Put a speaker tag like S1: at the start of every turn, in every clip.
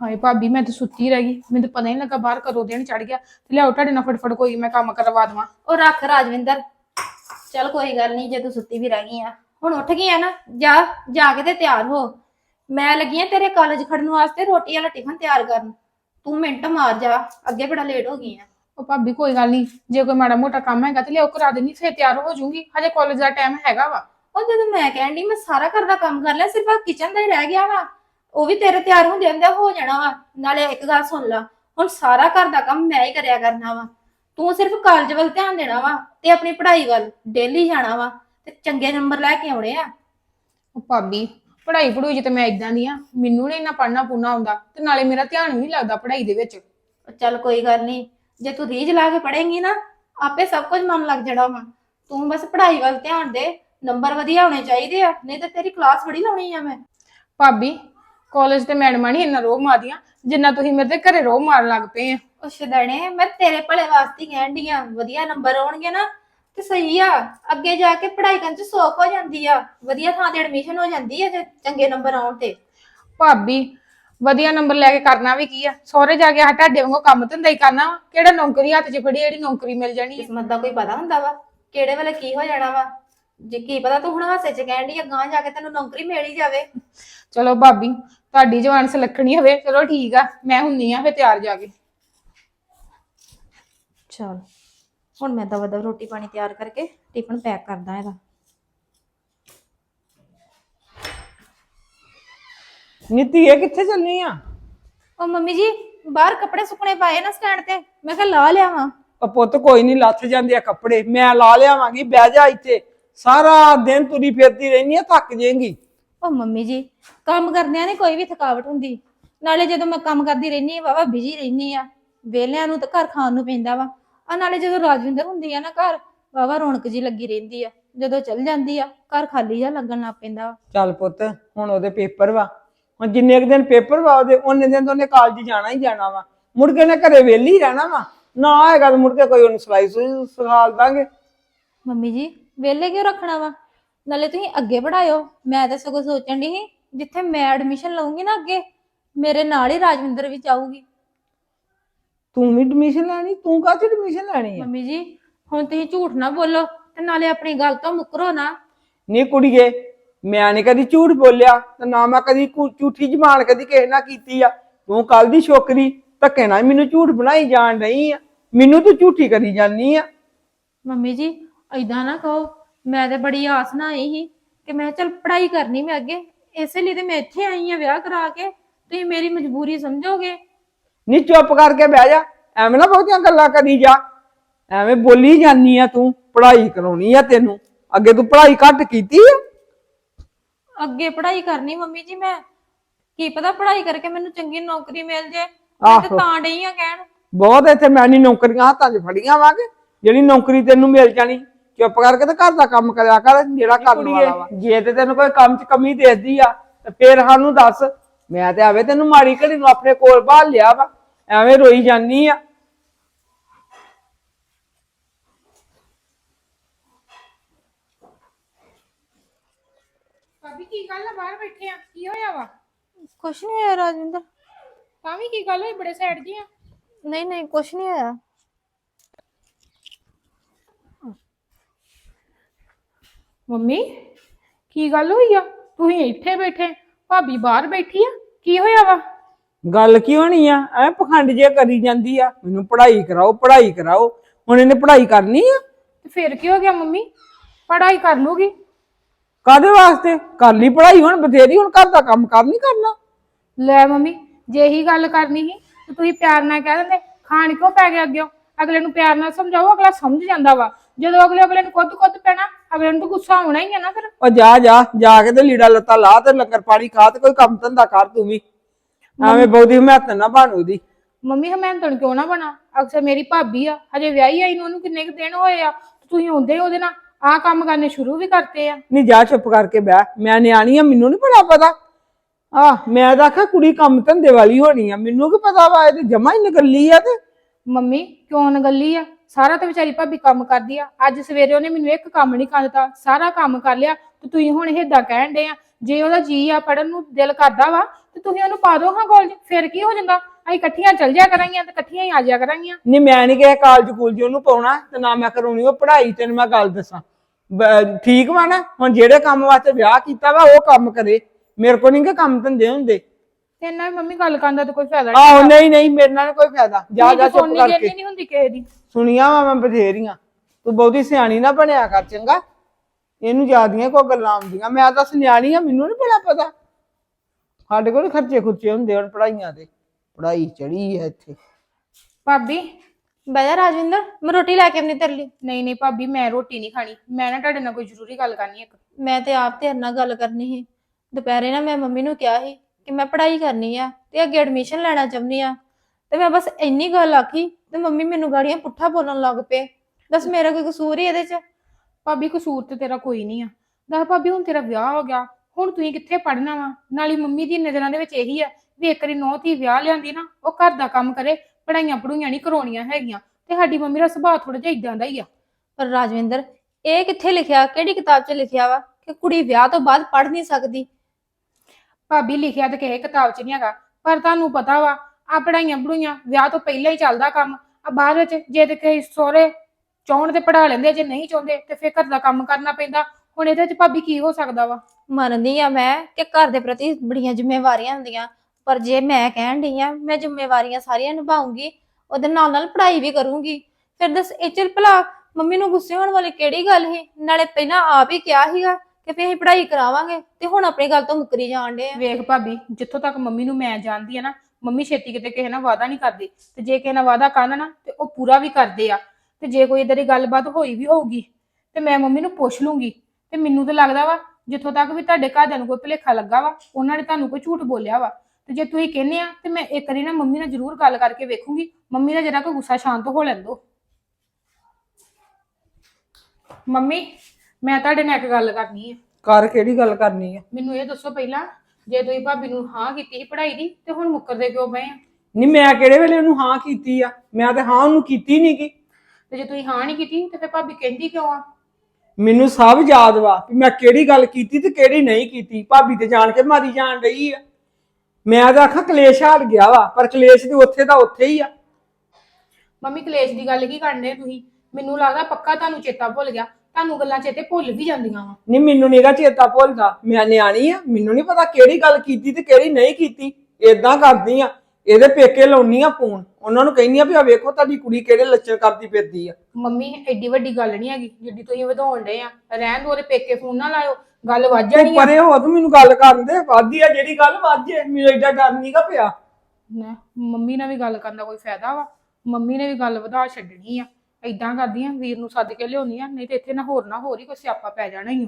S1: ਹਾਏ ਭਾਬੀ ਮੈਂ ਤਾਂ ਸੁੱਤੀ ਰਹਿ ਗਈ, ਮੈਨੂੰ ਤਾਂ ਪਤਾ ਹੀ ਨੀ ਲੱਗਾ ਬਾਹਰ ਕਦੋਂ ਦਿਨ ਚੜ ਗਿਆ। ਤੇ ਲਿਆਓ ਤੁਹਾਡੇ ਨਾਲ ਫਟਫਟ ਕੋਈ ਮੈਂ ਕੰਮ ਕਰਵਾ ਦੇਵਾਂ।
S2: ਉਹ ਰੱਖ ਰਾਜਵਿੰਦਰ, ਚੱਲ ਕੋਈ ਗੱਲ ਨਹੀਂ। ਜੇ ਤੂੰ ਸੁੱਤੀ ਵੀ ਰਹਿ ਗਈ ਆ, ਹੁਣ ਉੱਠ ਗਈ ਆ ਨਾ, ਜਾ ਜਾ ਕੇ ਤੇ ਤਿਆਰ ਹੋ। ਮੈਂ ਲੱਗੀ ਆ ਤੇਰੇ ਕਾਲਜ ਖੜਨ ਵਾਸਤੇ ਰੋਟੀ ਵਾਲਾ ਟਿਫਨ ਤਿਆਰ ਕਰਨ। ਤੂੰ ਮਿੰਟ ਮਾਰ ਜਾ, ਅੱਗੇ ਬੜਾ ਲੇਟ ਹੋ ਗਈ ਆ।
S1: ਉਹ ਭਾਬੀ ਕੋਈ ਗੱਲ ਨਹੀਂ, ਜੇ ਕੋਈ ਮਾੜਾ ਮੋਟਾ ਕੰਮ ਹੈਗਾ ਤੇ ਲਿਆਓ ਕਰਾ ਦੇਣੀ, ਫੇਰ ਤਿਆਰ ਹੋ ਜਾਊਂਗੀ। ਹਜੇ ਕਾਲਜ ਦਾ ਟਾਈਮ ਹੈਗਾ ਵਾ।
S2: ਉਹ ਜਦੋਂ ਮੈਂ ਕਹਿਣ ਡਈ ਮੈਂ ਸਾਰਾ ਘਰ ਦਾ ਕੰਮ ਕਰ ਲਿਆ, ਸਿਰਫ ਆ ਕਿਚਨ ਦਾ ਹੀ ਰਹਿ ਗਿਆ ਵਾ। ਉਹ ਵੀ ਤੇਰੇ ਤਿਆਰ ਹੁੰਦੇ ਹੁੰਦੇ ਹੋ ਜਾਣਾ ਵਾ। ਨਾਲੇ ਇੱਕ ਗੱਲ ਸੁਣ ਲਾ, ਹੁਣ ਸਾਰਾ ਘਰ ਦਾ ਕੰਮ ਮੈਂ ਹੀ ਕਰਿਆ ਕਰਨਾ ਵਾ। ਤੂੰ ਸਿਰਫ ਕਾਲਜ ਵੱਲ ਧਿਆਨ ਦੇਣਾ ਵਾ ਤੇ ਆਪਣੀ ਪੜ੍ਹਾਈ ਵੱਲ ਡੇਲੀ ਜਾਣਾ ਵਾ ਤੇ ਚੰਗੇ ਨੰਬਰ ਲੈ ਕੇ ਆਉਣੇ ਆ।
S1: ਉਹ ਭਾਬੀ ਪੜ੍ਹਾਈ ਪੜੂਈ ਚ ਤੇ ਮੈਂ ਇਦਾਂ ਦੀ ਆ, ਮੈਨੂੰ ਨੀ ਇੰਨਾ ਪੜ੍ਹਨਾ ਪੁੜਨਾ ਆਉਂਦਾ, ਤੇ ਨਾਲੇ ਮੇਰਾ ਧਿਆਨ ਵੀ ਨਹੀਂ ਲੱਗਦਾ ਪੜ੍ਹਾਈ ਦੇ ਵਿੱਚ।
S2: ਚੱਲ ਕੋਈ ਗੱਲ ਨਹੀਂ, ਜੇ ਤੂੰ ਰੀਝ ਲਾ ਕੇ ਪੜ੍ਹੇਂਗੀ ਨਾ ਆਪੇ ਸਭ ਕੁਝ ਮਨ ਲੱਗ ਜਾਣਾ ਵਾ। ਤੂੰ ਬਸ ਪੜ੍ਹਾਈ ਵੱਲ ਧਿਆਨ ਦੇ, ਨੰਬਰ ਵਧੀਆ ਹੋਣੇ ਚਾਹੀਦੇ ਆ, ਨਹੀਂ ਤੇ ਤੇਰੀ ਕਲਾਸ ਬੜੀ ਲਾਉਣੀ ਆ ਮੈਂ।
S1: ਭਾਬੀ ਕਾਲਜ ਤੇ ਮੈਡਮਾਂ ਨਹੀਂ ਇੰਨਾ ਰੋਹ ਮਾਰਦੀਆਂ ਜਿੰਨਾ ਤੁਸੀਂ ਮੇਰੇ ਤੇ ਘਰੇ ਰੋਹ ਮਾਰਨ ਲੱਗ ਪਏ ਆ।
S2: ਉਹ ਸ਼ਦਣੇ, ਮੈਂ ਤੇਰੇ ਭਲੇ ਵਾਸਤੇ ਕਹਿਣ ਡਈ ਆ। ਵਧੀਆ ਨੰਬਰ ਆਉਣਗੇ ਨਾ ਤੇ ਸਹੀ ਆ, ਅੱਗੇ ਜਾ ਕੇ ਪੜ੍ਹਾਈ ਕਰਨ ਚ ਸੌਖ ਹੋ ਜਾਂਦੀ ਆ, ਵਧੀਆ ਥਾਂ ਤੇ ਐਡਮਿਸ਼ਨ ਹੋ ਜਾਂਦੀ ਆ ਜੇ ਚੰਗੇ ਨੰਬਰ ਆਉਣ ਤੇ।
S1: ਭਾਬੀ ਵਧੀਆ ਨੰਬਰ ਲੈ ਕੇ ਕਰਨਾ ਵੀ ਕੀ ਆ, ਸਹੁਰੇ ਜਾ ਕੇ ਆ ਤੁਹਾਡੇ ਵਾਂਗੂ ਕੰਮ ਧੰਦਾ ਹੀ ਕਰਨਾ ਵਾ। ਕਿਹੜਾ ਨੌਕਰੀ ਹੱਥ 'ਚ ਫੜੀ ਜਿਹੜੀ ਨੌਕਰੀ ਮਿਲ ਜਾਣੀ ਹੈ।
S2: ਕਿਸਮਤ ਦਾ ਕੋਈ ਪਤਾ ਹੁੰਦਾ ਵਾ ਕਿਹੜੇ ਵੇਲੇ ਕੀ ਹੋ ਜਾਣਾ ਵਾ। ਜੇ ਕੀ ਪਤਾ ਤੂੰ ਹੁਣ ਹਾਸੇ ਚ ਕਹਿਣ ਡਈ ਆ, ਗਾਂ ਜਾ ਕੇ ਤੈਨੂੰ ਨੌਕਰੀ ਮਿਲ ਹੀ ਜਾਵੇ।
S1: ਚਲੋ ਭਾਬੀ ਤੁਹਾਡੀ ਜਵਾਨ ਸੁਲੱਖਣੀ ਹੋਵੇ, ਚਲੋ ਠੀਕ ਆ, ਮੈਂ ਹੁੰਨੀ ਆ ਫੇ ਤਿਆਰ ਜਾ ਕੇ।
S2: ਚਲ ਹੁਣ ਮੈਂ ਦਵਾ ਦਵ ਰੋਟੀ ਪਾਣੀ ਤਿਆਰ ਕਰਕੇ ਟਿਫਨ ਪੈਕ ਕਰਦਾ ਇਹਦਾ।
S3: ਨੀਤੀ ਇਹ ਕਿੱਥੇ ਚੱਲਨੀ ਆ?
S2: ਉਹ ਮੰਮੀ ਜੀ ਬਾਹਰ ਕੱਪੜੇ ਸੁੱਕਣੇ ਪਾਏ ਨਾ ਸਟੈਂਡ ਤੇ, ਮੈਂ ਕਿਹਾ ਲਾ ਲਿਆਵਾਂ।
S3: ਉਹ ਪੁੱਤ ਕੋਈ ਨਹੀਂ, ਲੱਥ ਜਾਂਦੇ ਆ ਕੱਪੜੇ, ਮੈਂ ਲਾ ਲਿਆਵਾਂਗੀ। ਬਹਿ ਜਾ ਇੱਥੇ, ਸਾਰਾ ਦਿਨ ਤੁਰੀ ਫਿਰਦੀ ਰਹਿਨੀ ਆ, ਥੱਕ ਜਾਏਂਗੀ।
S2: ਉਹ ਮੰਮੀ ਜੀ ਕੰਮ ਕਰਦਿਆਂ ਨੇ ਕੋਈ ਵੀ ਥਕਾਵਟ ਹੁੰਦੀ, ਨਾਲੇ ਜਦੋਂ ਮੈਂ ਕੰਮ ਕਰਦੀ ਰਹਿਨੀ ਆ ਵਾਵਾ ਬਿਜੀ ਰਹਿਨੀ ਆ। ਵਿਹਲਿਆਂ ਨੂੰ ਤਾਂ ਘਰ ਖਾਣ ਨੂੰ ਪੈਂਦਾ ਵਾ, ਆ ਨਾਲੇ ਜਦੋਂ ਰਾਜਵਿੰਦਰ ਹੁੰਦੀ ਆ ਨਾ ਘਰ ਵਾਵਾ ਰੌਣਕ ਜੀ ਲੱਗੀ ਰਹਿੰਦੀ ਆ। ਜਦੋਂ ਚੱਲ ਜਾਂਦੀ ਆ ਘਰ ਖਾਲੀ ਜਿਹਾ ਲੱਗਣ ਲੱਗ ਪੈਂਦਾ ਵਾ।
S3: ਚੱਲ ਪੁੱਤ ਹੁਣ ਉਹਦੇ ਪੇਪਰ ਵਾ, ਹੁਣ ਜਿੰਨੇ ਕੁ ਦਿਨ ਪੇਪਰ ਵਾ ਉਹਨੇ ਦਿਨ ਤਾਂ ਉਹਨੇ ਕਾਲਜ ਜਾਣਾ ਹੀ ਜਾਣਾ ਵਾ। ਮੁੜ ਕੇ ਨੇ ਘਰੇ ਵਿਹਲੀ ਰਹਿਣਾ ਵਾ, ਨਾ ਹੈਗਾ ਤਾਂ ਮੁੜ ਕੇ ਕੋਈ ਉਹਨੂੰ ਸਿਲਾਈ ਸਿਖਾਲ ਦਾਂਗੇ।
S2: ਮੰਮੀ ਜੀ ਵਿਹਲੇ ਕਿਉਂ ਰੱਖਣਾ ਵਾ, ਨਾਲੇ ਤੁਸੀਂ ਅੱਗੇ ਪੜਾਇਓ। ਮੈਂ ਤਾਂ ਸਗੋਂ ਸੋਚਣ ਦੀ ਸੀ ਜਿੱਥੇ ਮੈਂ ਐਡਮਿਸ਼ਨ ਲਊਂਗੀ ਨਾ ਅੱਗੇ ਮੇਰੇ ਨਾਲ ਹੀ ਰਾਜਵਿੰਦਰ ਵੀ ਜਾਊਗੀ।
S3: ਤੂੰ ਵੀ ਐਡਮਿਸ਼ਨ ਲੈਣੀ? ਤੂੰ ਕਾਹਦੀ ਐਡਮਿਸ਼ਨ ਲੈਣੀ ਆ?
S2: ਮੰਮੀ ਜੀ ਹੁਣ ਤੁਸੀਂ ਝੂਠ ਨਾ ਬੋਲੋ ਤੇ ਨਾਲੇ ਆਪਣੀ ਗੱਲ ਤੋਂ ਮੁੱਕਰੋ ਨਾ।
S3: ਨਹੀਂ ਕੁੜੀਏ, ਮੈਂ ਨੀ ਕਦੀ ਝੂਠ ਬੋਲਿਆ ਤੇ ਨਾ ਮੈਂ ਕਦੀ ਝੂਠੀ ਜ਼ਬਾਨ ਕਦੀ ਕਿਸੇ ਨਾਲ ਕੀਤੀ ਆ। ਤੂੰ ਕੱਲ ਦੀ ਛੋਕਰੀ ਧੱਕੇ ਨਾਲ ਮੈਨੂੰ ਝੂਠ ਬਣਾਈ ਜਾਣ ਰਹੀ ਆ, ਮੈਨੂੰ ਤੂੰ ਝੂਠੀ ਕਰੀ ਜਾਨੀ ਆ।
S2: ਮੰਮੀ ਜੀ ਏਦਾਂ ਨਾ ਕਹੋ, ਮੈਂ ਤੇ ਬੜੀ ਆਸ ਨਾਲ ਆਈ ਸੀ ਕਿ ਮੈਂ ਚੱਲ ਪੜ੍ਹਾਈ ਕਰਨੀ ਮੈਂ ਅੱਗੇ, ਇਸੇ ਲਈ ਤੇ ਮੈਂ ਇੱਥੇ ਆਈ ਆ ਵਿਆਹ ਕਰਾ ਕੇ। ਤੁਸੀਂ ਮੇਰੀ ਮਜਬੂਰੀ ਸਮਝੋਗੇ?
S3: ਨੀ ਚੁੱਪ ਕਰਕੇ ਬਹਿ ਜਾ, ਐਵੇਂ ਨਾ ਬਹੁਤੀਆਂ ਗੱਲਾਂ ਕਰੀ ਜਾ, ਐਵੇਂ ਬੋਲੀ ਜਾਨੀ ਆ। ਤੂੰ ਪੜ੍ਹਾਈ ਕਰਾਉਣੀ ਆ ਤੈਨੂੰ, ਅੱਗੇ ਤੂੰ ਪੜ੍ਹਾਈ ਘੱਟ ਕੀਤੀ ਆ।
S2: ਅੱਗੇ ਪੜ੍ਹਾਈ ਕਰਨੀ ਮੰਮੀ ਜੀ, ਮੈਂ ਕੀ ਪਤਾ ਪੜ੍ਹਾਈ ਕਰਕੇ ਮੈਨੂੰ ਚੰਗੀ ਨੌਕਰੀ ਮਿਲ ਜੇ। ਮੈਂ ਤੇ ਤਾਂ ਡਈ ਆ ਕਹਿਣ।
S3: ਬਹੁਤ ਇੱਥੇ ਮੈਂ ਨੀ ਨੌਕਰੀਆਂ ਹੱਥਾਂ 'ਚ ਫੜੀਆਂ ਵਾਂਗੇ, ਜਿਹੜੀ ਨੌਕਰੀ ਤੈਨੂੰ ਮਿਲ ਜਾਣੀ। ਚੁੱਪ ਕਰਕੇ ਤੇ ਘਰ ਦਾ ਕੰਮ ਕਰਿਆ ਕਰ ਜਿਹੜਾ ਕਰਨ ਵਾਲਾ ਵਾ। ਜੇ ਤੇ ਤੈਨੂੰ ਕੋਈ ਕੰਮ 'ਚ ਕਮੀ ਦੇਖਦੀ ਆ ਤੇ ਫੇਰ ਸਾਨੂੰ ਦੱਸ। ਮੈਂ ਤੇ ਆਵੇ ਤੈਨੂੰ ਮਾੜੀ ਘੜੀ ਨੂੰ ਆਪਣੇ ਕੋਲ ਬਾਹਰ ਲਿਆ ਵਾ, ਐਵੇਂ ਰੋਈ ਜਾਨੀ ਆ।
S1: ਭਾਬੀ ਕੀ ਗੱਲ ਆ, ਬਾਹਰ ਬੈਠੇ ਆ, ਕੀ ਹੋਇਆ ਵਾ?
S2: ਕੁਛ ਨਹੀਂ ਹੋਇਆ ਰਾਜਵਿੰਦਰ।
S1: ਤਾਂ ਵੀ ਕੀ ਗੱਲ ਹੋਈ, ਬੜੇ ਸਾਈਡ ਜੀ ਆ?
S2: ਨਹੀਂ ਨਹੀਂ ਕੁਛ ਨਹੀਂ ਹੋਇਆ।
S1: ਮੰਮੀ ਕੀ ਗੱਲ ਹੋਈ ਆ, ਤੁਸੀਂ ਇੱਥੇ ਬੈਠੇ, ਭਾਬੀ ਬਾਹਰ ਬੈਠੀ ਆ, ਕੀ ਹੋਇਆ ਵਾ?
S3: ਗੱਲ ਕੀ ਹੋਣੀ ਆ, ਐ ਪਖੰਡ ਜੇ ਕਰੀ ਜਾਂਦੀ ਆ, ਮੈਨੂੰ ਪੜ੍ਹਾਈ ਕਰਾਓ ਪੜ੍ਹਾਈ ਕਰਾਓ। ਹੁਣ ਇਹਨੇ ਪੜ੍ਹਾਈ ਕਰਨੀ ਆ
S1: ਤੇ ਫਿਰ ਕੀ ਹੋ ਗਿਆ ਮੰਮੀ, ਪੜ੍ਹਾਈ ਕਰ ਲੂਗੀ।
S3: ਕਾਹਦੇ ਵਾਸਤੇ ਕਰ ਲਈ ਪੜ੍ਹਾਈ? ਹੁਣ ਬਥੇਰੀ, ਹੁਣ ਘਰ ਦਾ ਕੰਮ ਕਰ ਨਹੀਂ ਕਰਨਾ?
S1: ਲੈ ਮੰਮੀ ਜੇ ਇਹੀ ਗੱਲ ਕਰਨੀ ਸੀ ਤੇ ਤੁਸੀਂ ਪਿਆਰ ਨਾਲ ਕਹਿ ਦਿੰਦੇ, ਖਾਣ ਕਿਉਂ ਪੈ ਗਿਆ ਅੱਗੇ? ਅਗਲੇ ਨੂੰ ਪਿਆਰ ਨਾਲ ਸਮਝਾਓ, ਅਗਲਾ ਸਮਝ ਜਾਂਦਾ ਵਾ। ਜਦੋਂ ਅਗਲੇ ਨੂੰ ਕੁੱਦ ਪੈਣਾ, ਅਗਲੇ ਨੂੰ ਤਾਂ ਗੁੱਸਾ ਆਉਣਾ ਹੀ ਆ ਨਾ ਫਿਰ।
S3: ਉਹ ਜਾ ਜਾ ਜਾ ਕੇ ਤੇ ਲੀੜਾ ਲੱਤਾ ਲਾ ਤੇ ਲੰਗਰ ਪਾਣੀ ਖਾ ਤੇ ਕੋਈ ਕੰਮ ਧੰਦਾ ਕਰ ਤੂੰ ਵੀ। ਐਵੇਂ ਬਹੁਤੀ ਹਿੰਮਤ ਨਾ ਬਣ ਉਹਦੀ।
S1: ਮੰਮੀ ਹਮੈਂਤਣ ਕਿਉਂ ਨਾ ਬਣਾ, ਅਕਸਰ ਮੇਰੀ ਭਾਬੀ ਆ, ਹਜੇ ਵਿਆਹੀ ਆਈ ਨੂੰ ਉਹਨੂੰ ਕਿੰਨੇ ਕੁ ਦਿਨ ਹੋਏ ਆ, ਤੁਸੀਂ ਹੁੰਦੇ ਉਹਦੇ ਨਾਲ ਆਹ ਕੰਮ ਕਰਨੇ ਸ਼ੁਰੂ ਵੀ ਕਰਤੇ ਆ।
S3: ਨਹੀਂ ਜਾ ਚੁੱਪ ਕਰਕੇ ਬਹਿ, ਮੈਂ ਨਿਆਣੀ ਆ, ਮੈਨੂੰ ਨੀ ਬੜਾ ਪਤਾ। ਮੈਂ ਤਾਂ ਆਖਿਆ ਕੁੜੀ ਕੰਮ ਧੰਦੇ ਵਾਲੀ ਹੋਣੀ ਆ, ਮੈਨੂੰ ਕੀ ਪਤਾ ਵਾ, ਇਹ ਤੇ ਜਮਾ ਹੀ ਨਿਕਲੀ ਆ। ਤੇ
S1: ਮੰਮੀ ਕਿਉਂ ਨਗੱਲੀ ਆ, ਸਾਰਾ ਤੇ ਵਿਚਾਰੀ ਭਾਬੀ ਕੰਮ ਕਰਦੀ ਆ। ਅੱਜ ਸਵੇਰੇ ਉਹਨੇ ਮੈਨੂੰ ਇੱਕ ਕੰਮ ਨਹੀਂ ਕਰ ਦਿੱਤਾ, ਸਾਰਾ ਕੰਮ ਕਰ ਲਿਆ ਤੇ ਤੁਸੀਂ ਹੁਣ ਏਦਾਂ ਕਹਿਣ ਡੇ ਆ ਜੇ ਉਹਦਾ ਜੀ ਆ ਪੜਨ ਨੂੰ ਦਿਲ ਕਰਦਾ ਵਾ ਤੇ ਤੁਸੀਂ ਉਹਨੂੰ ਪਾ ਦਿਓ ਹਾਂ ਕਾਲਜ, ਫਿਰ ਕੀ ਹੋ ਜਾਂਦਾ, ਅਸੀਂ ਇਕੱਠੀਆਂ ਚੱਲ ਜਾਇਆ ਕਰਾਂਗੀਆਂ ਤੇ ਇਕੱਠੀਆਂ ਹੀ ਆ ਜਾਇਆ ਕਰਾਂਗੀਆਂ।
S3: ਨਹੀਂ ਮੈਂ ਨਹੀਂ ਕਿਹਾ ਕਾਲਜ ਕੂਲਜ ਉਹਨੂੰ ਪਾਉਣਾ ਤੇ ਨਾ ਮੈਂ ਕਰਾਉਣੀ ਉਹ ਪੜ੍ਹਾਈ। ਤੈਨੂੰ ਮੈਂ ਗੱਲ ਦੱਸਾਂ ਠੀਕ ਵਾ ਨਾ, ਹੁਣ ਜਿਹੜੇ ਕੰਮ ਵਾਸਤੇ ਵਿਆਹ ਕੀਤਾ ਵਾ ਉਹ ਕੰਮ ਕਰੇ, ਮੇਰੇ ਕੋਲ ਨਹੀਂ ਕਿ ਕੰਮ ਧੰਦੇ ਹੁੰਦੇ।
S1: ਤੇ ਇਹਨਾਂ ਮੰਮੀ ਗੱਲ ਕਰਨ ਦਾ ਤਾਂ ਕੋਈ ਫਾਇਦਾ
S3: ਆਹੋ ਨਹੀਂ ਨਹੀਂ ਮੇਰੇ ਨਾਲ ਕੋਈ ਫਾਇਦਾ, ਜਾ ਜਾ ਚੁੱਪ
S1: ਸੋਨੀ
S3: ਕਰਕੇ।
S1: ਕਹਿੰਦੀ ਨਹੀਂ ਹੁੰਦੀ ਕਿਸੇ ਦੀ।
S3: ਸੁਣੀਆਂ ਵਾ ਮੈਂ ਬਥੇਰੀਆਂ, ਤੂੰ ਬਹੁਤੀ ਸਿਆਣੀ ਨਾ ਬਣਿਆ ਕਰ ਚੰਗਾ, ਇਹਨੂੰ ਜ਼ਿਆਦੀਆਂ ਕੋਈ ਗੱਲਾਂ ਆਉਂਦੀਆਂ। ਮੈਂ ਤਾਂ ਸਿਆਣੀ ਆ, ਮੈਨੂੰ ਨੀ ਬੜਾ ਪਤਾ। ਸਾਡੇ ਕੋਲ ਖਰਚੇ ਖੁਰਚੇ ਹੁੰਦੇ ਹੁਣ ਪੜ੍ਹਾਈਆਂ ਦੇ, ਪੜ੍ਹਾਈ ਚੜੀ ਹੈ ਇੱਥੇ।
S1: ਭਾਬੀ
S2: ਬਹਿ ਜਾ ਰਾਜਵਿੰਦਰ, ਮੈਂ ਰੋਟੀ ਲੈ ਕੇ ਆਉਣੀ ਤੇਰੇ ਲਈ।
S1: ਨਹੀਂ ਨਹੀਂ ਭਾਬੀ ਮੈਂ ਰੋਟੀ ਨਹੀਂ ਖਾਣੀ, ਮੈਂ ਨਾ ਤੁਹਾਡੇ ਨਾਲ ਕੋਈ ਜ਼ਰੂਰੀ ਗੱਲ ਕਰਨੀ ਇੱਕ।
S2: ਮੈਂ ਤੇ ਆਪ ਤੇਰੇ ਨਾਲ ਗੱਲ ਕਰਨੀ ਸੀ। ਦੁਪਹਿਰੇ ਨਾ ਮੈਂ ਮੰਮੀ ਨੂੰ ਕਿਹਾ ਸੀ ਕਿ ਮੈਂ ਪੜ੍ਹਾਈ ਕਰਨੀ ਆ ਤੇ ਅੱਗੇ ਐਡਮਿਸ਼ਨ ਲੈਣਾ ਚਾਹੁੰਦੀ ਆ, ਤੇ ਮੈਂ ਬਸ ਇੰਨੀ ਗੱਲ ਆਖੀ ਤੇ ਮੰਮੀ ਮੈਨੂੰ ਗਾੜੀਆਂ ਪੁੱਠਾ ਬੋਲਣ ਲੱਗ ਪਏ। ਦੱਸ ਮੇਰਾ ਕੋਈ ਕਸੂਰ ਹੀ ਇਹਦੇ ਚ?
S1: ਭਾਬੀ ਕਸੂਰ ਤੇ ਤੇਰਾ ਕੋਈ ਨਹੀਂ ਆ। ਦੱਸ ਭਾਬੀ ਹੁਣ ਤੇਰਾ ਵਿਆਹ ਹੋ ਗਿਆ, ਹੁਣ ਤੁਸੀਂ ਕਿੱਥੇ ਪੜ੍ਹਨਾ ਵਾ? ਨਾਲੇ ਮੰਮੀ ਦੀ ਨਜ਼ਰਾਂ ਦੇ ਵਿੱਚ ਇਹੀ ਆ ਵੀ ਇੱਕ ਵਾਰੀ ਨੌਂ ਧੀ ਵਿਆਹ ਲਿਆਂਦੀ ਨਾ, ਉਹ ਘਰ ਦਾ ਕੰਮ ਕਰੇ, ਪੜ੍ਹਾਈਆਂ ਪੜੂਈਆਂ ਨਹੀਂ ਕਰਾਉਣੀਆਂ ਹੈਗੀਆਂ। ਤੇ ਸਾਡੀ ਮੰਮੀ ਦਾ ਸੁਭਾਅ ਥੋੜਾ ਜਿਹਾ ਇਦਾਂ ਦਾ ਹੀ ਆ।
S2: ਪਰ ਰਾਜਵਿੰਦਰ, ਇਹ ਕਿੱਥੇ ਲਿਖਿਆ, ਕਿਹੜੀ ਕਿਤਾਬ 'ਚ ਲਿਖਿਆ ਵਾ ਕਿ ਕੁੜੀ ਵਿਆਹ ਤੋਂ ਬਾਅਦ ਪੜ੍ਹ ਨਹੀਂ ਸਕਦੀ?
S1: ਭਾਬੀ ਲਿਖਿਆ ਤੇ ਕਿਸੇ ਕਿਤਾਬ 'ਚ ਨਹੀਂ ਹੈਗਾ, ਪਰ ਤੁਹਾਨੂੰ ਪਤਾ ਵਾ ਆ ਪੜ੍ਹਾਈਆਂ ਪੜੂਈਆਂ ਵਿਆਹ ਤੋਂ ਪਹਿਲਾਂ ਹੀ ਚੱਲਦਾ ਕੰਮ। ਆ ਬਾਅਦ ਵਿੱਚ ਜੇ ਤੇ ਕਿਸੇ ਸਹੁਰੇ ਚਾਹੁਣ ਤੇ ਪੜ੍ਹਾ ਲੈਂਦੇ, ਜੇ ਨਹੀਂ ਚਾਹੁੰਦੇ ਤੇ ਫਿਰ ਘਰ ਦਾ ਕੰਮ ਕਰਨਾ ਪੈਂਦਾ। ਹੁਣ ਇਹਦੇ 'ਚ ਭਾਬੀ ਕੀ ਹੋ ਸਕਦਾ ਵਾ?
S2: ਮੰਨਦੀ ਆ ਮੈਂ ਕਿ ਘਰ ਦੇ ਪ੍ਰਤੀ ਬੜੀਆਂ ਜ਼ਿੰਮੇਵਾਰੀਆਂ ਹੁੰਦੀਆਂ, ਪਰ ਜੇ ਮੈਂ ਕਹਿਣ ਡਈ ਆ ਮੈਂ ਜ਼ਿੰਮੇਵਾਰੀਆਂ ਸਾਰੀਆਂ ਨਿਭਾਉਂਗੀ, ਉਹਦੇ ਨਾਲ ਨਾਲ ਪੜ੍ਹਾਈ ਵੀ ਕਰੂੰਗੀ। ਫਿਰ ਦੱਸ ਇਹ ਚ ਭਲਾ ਮੰਮੀ ਨੂੰ ਗੁੱਸੇ ਹੋਣ ਵਾਲੀ ਕਿਹੜੀ ਗੱਲ ਸੀ? ਨਾਲੇ ਪਹਿਲਾਂ ਆਪ ਹੀ ਕਿਹਾ ਸੀਗਾ ਕਿ ਵੀ ਅਸੀਂ ਪੜ੍ਹਾਈ ਕਰਾਵਾਂਗੇ, ਤੇ ਹੁਣ ਆਪਣੀ ਗੱਲ ਤੋਂ ਮੁੱਕਰੀ ਜਾਣ ਡੇ ਆ।
S1: ਵੇਖ ਭਾਬੀ, ਜਿੱਥੋਂ ਤੱਕ ਮੰਮੀ ਨੂੰ ਮੈਂ ਜਾਣਦੀ ਆ ਨਾ, ਮੰਮੀ ਛੇਤੀ ਕਿਤੇ ਕਿਸੇ ਨਾਲ ਵਾਅਦਾ ਨਹੀਂ ਕਰਦੇ, ਤੇ ਜੇ ਕਿਸੇ ਨਾਲ ਵਾਅਦਾ ਕਰਨ ਨਾ ਤੇ ਉਹ ਪੂਰਾ ਵੀ ਕਰਦੇ ਆ। ਤੇ ਜੇ ਕੋਈ ਇਦਾਂ ਦੀ ਗੱਲਬਾਤ ਹੋਈ ਵੀ ਹੋਊਗੀ ਤੇ ਮੈਂ ਮੰਮੀ ਨੂੰ ਪੁੱਛ ਲੂੰਗੀ। ਤੇ ਮੈਨੂੰ ਤਾਂ ਲੱਗਦਾ ਵਾ ਜਿੱਥੋਂ ਤੱਕ ਵੀ ਤੁਹਾਡੇ ਘਰਦਿਆਂ ਨੂੰ ਕੋਈ ਭੁਲੇਖਾ ਲੱਗਾ ਵਾ, ਉਹਨਾਂ ਨੇ ਤੁਹਾਨੂੰ ਕੋਈ ਝੂਠ ਬੋਲਿਆ ਵਾ। ਤੇ ਜੇ ਤੁਸੀਂ ਕਹਿੰਦੇ ਆ ਤੇ ਮੈਂ ਇੱਕ ਵਾਰੀ ਨਾ ਮੰਮੀ ਨਾਲ ਜ਼ਰੂਰ ਗੱਲ ਕਰਕੇ ਵੇਖੂੰਗੀ, ਮੰਮੀ ਦਾ ਜਰਾ ਕੋਈ ਗੁੱਸਾ ਸ਼ਾਂਤ ਹੋ ਲੈਣ ਦੋ। ਮੰਮੀ ਮੈਂ ਤੁਹਾਡੇ ਨਾਲ ਇੱਕ ਗੱਲ ਕਰਨੀ ਹੈ।
S3: ਕਰ, ਕਿਹੜੀ ਗੱਲ ਕਰਨੀ ਆ?
S1: ਮੈਨੂੰ ਇਹ ਦੱਸੋ ਪਹਿਲਾਂ, ਜੇ ਤੁਸੀਂ ਭਾਬੀ ਨੂੰ ਹਾਂ ਕੀਤੀ ਸੀ ਪੜ੍ਹਾਈ ਦੀ ਤੇ ਹੁਣ ਮੁੱਕਰਦੇ ਕਿਉਂ ਪਏ ਆ?
S3: ਨਹੀਂ ਮੈਂ ਕਿਹੜੇ ਵੇਲੇ ਉਹਨੂੰ ਹਾਂ ਕੀਤੀ ਆ? ਮੈਂ ਤੇ ਹਾਂ ਉਹਨੂੰ ਕੀਤੀ ਨਹੀਂ ਗੀ।
S1: ਤੇ ਜੇ ਤੁਸੀਂ ਹਾਂ ਨਹੀਂ ਕੀਤੀ ਤੇ ਫਿਰ ਭਾਬੀ ਕਹਿੰਦੀ ਕਿਉਂ ਆ?
S3: ਮੈਨੂੰ ਸਭ ਯਾਦ ਵਾ ਕਿ ਮੈਂ ਕਿਹੜੀ ਗੱਲ ਕੀਤੀ ਤੇ ਕਿਹੜੀ ਨਹੀਂ ਕੀਤੀ। ਭਾਬੀ ਤੇ ਜਾਣ ਕੇ ਮਾਰੀ ਜਾਣ ਰਹੀ ਆ। ਮੈਂ ਤਾਂ ਆਖਾਂ ਕਲੇਸ਼ ਹਟ ਗਿਆ ਵਾ, ਪਰ ਕਲੇਸ਼ ਤੇ ਉੱਥੇ ਦਾ ਉੱਥੇ ਹੀ ਆ।
S1: ਮੰਮੀ ਕਲੇਸ਼ ਦੀ ਗੱਲ ਕੀ ਕਰਦੇ ਤੁਸੀਂ? ਮੈਨੂੰ ਲੱਗਦਾ ਪੱਕਾ ਤੁਹਾਨੂੰ ਚੇਤਾ ਭੁੱਲ ਗਿਆ, ਤੁਹਾਨੂੰ ਗੱਲਾਂ ਚੇਤੇ ਭੁੱਲ ਵੀ ਜਾਂਦੀਆਂ ਵਾ।
S3: ਨਹੀਂ ਮੈਨੂੰ ਨੀਗਾ ਚੇਤਾ ਭੁੱਲਦਾ, ਮੈਂ ਨਿਆਣੀ ਆ, ਮੈਨੂੰ ਨਹੀਂ ਪਤਾ ਕਿਹੜੀ ਗੱਲ ਕੀਤੀ ਤੇ ਕਿਹੜੀ ਨਹੀਂ ਕੀਤੀ। ਏਦਾਂ ਕਰਦੀ ਆ, ਇਹਦੇ ਪੇਕੇ ਲਾਉਣੀ ਆ ਫੋਨ, ਉਹਨਾਂ ਨੂੰ ਕਹਿੰਦੀ ਆ ਵੀ ਆ ਵੇਖੋ ਤੁਹਾਡੀ ਕੁੜੀ ਕਿਹੜੇ ਲੱਛਣ ਕਰਦੀ ਫਿਰਦੀ ਆ।
S1: ਮੰਮੀ ਐਡੀ ਵੱਡੀ ਗੱਲ ਨਹੀਂ ਹੈਗੀ ਜਿੱਡੀ ਤੁਸੀਂ ਵਧਾਉਣ ਡਏ ਆ। ਰਹਿਣ ਦੋ, ਉਹਦੇ ਪੇਕੇ ਫੋਨ ਨਾ ਲਾਇਓ, ਗੱਲ ਵੱਧ ਜਾਣੀ ਆ।
S3: ਪਰੇ ਹੋ ਤੂੰ, ਮੈਨੂੰ ਗੱਲ ਕਰਨ ਦੇ। ਵਾਧੀ ਆ ਜਿਹੜੀ ਗੱਲ ਵੱਧ ਜੇ, ਮੈਨੂੰ ਏਡਾ ਡਰ ਨਹੀਂਗਾ ਪਿਆ।
S1: ਮੰਮੀ ਨਾਲ ਵੀ ਗੱਲ ਕਰਨ ਦਾ ਕੋਈ ਫਾਇਦਾ ਵਾ? ਮੰਮੀ ਨੇ ਵੀ ਗੱਲ ਵਧਾ ਛੱਡਣੀ ਆ। ਏਦਾਂ ਕਰਦੀ ਆ, ਵੀਰ ਨੂੰ ਸੱਦ ਕੇ ਲਿਆਉਣੀ ਆ, ਨਹੀਂ ਤੇ ਇੱਥੇ ਨਾ ਹੋਰ ਹੀ ਕੋਈ ਸਿਆਪਾ ਪੈ ਜਾਣਾ ਹੀ।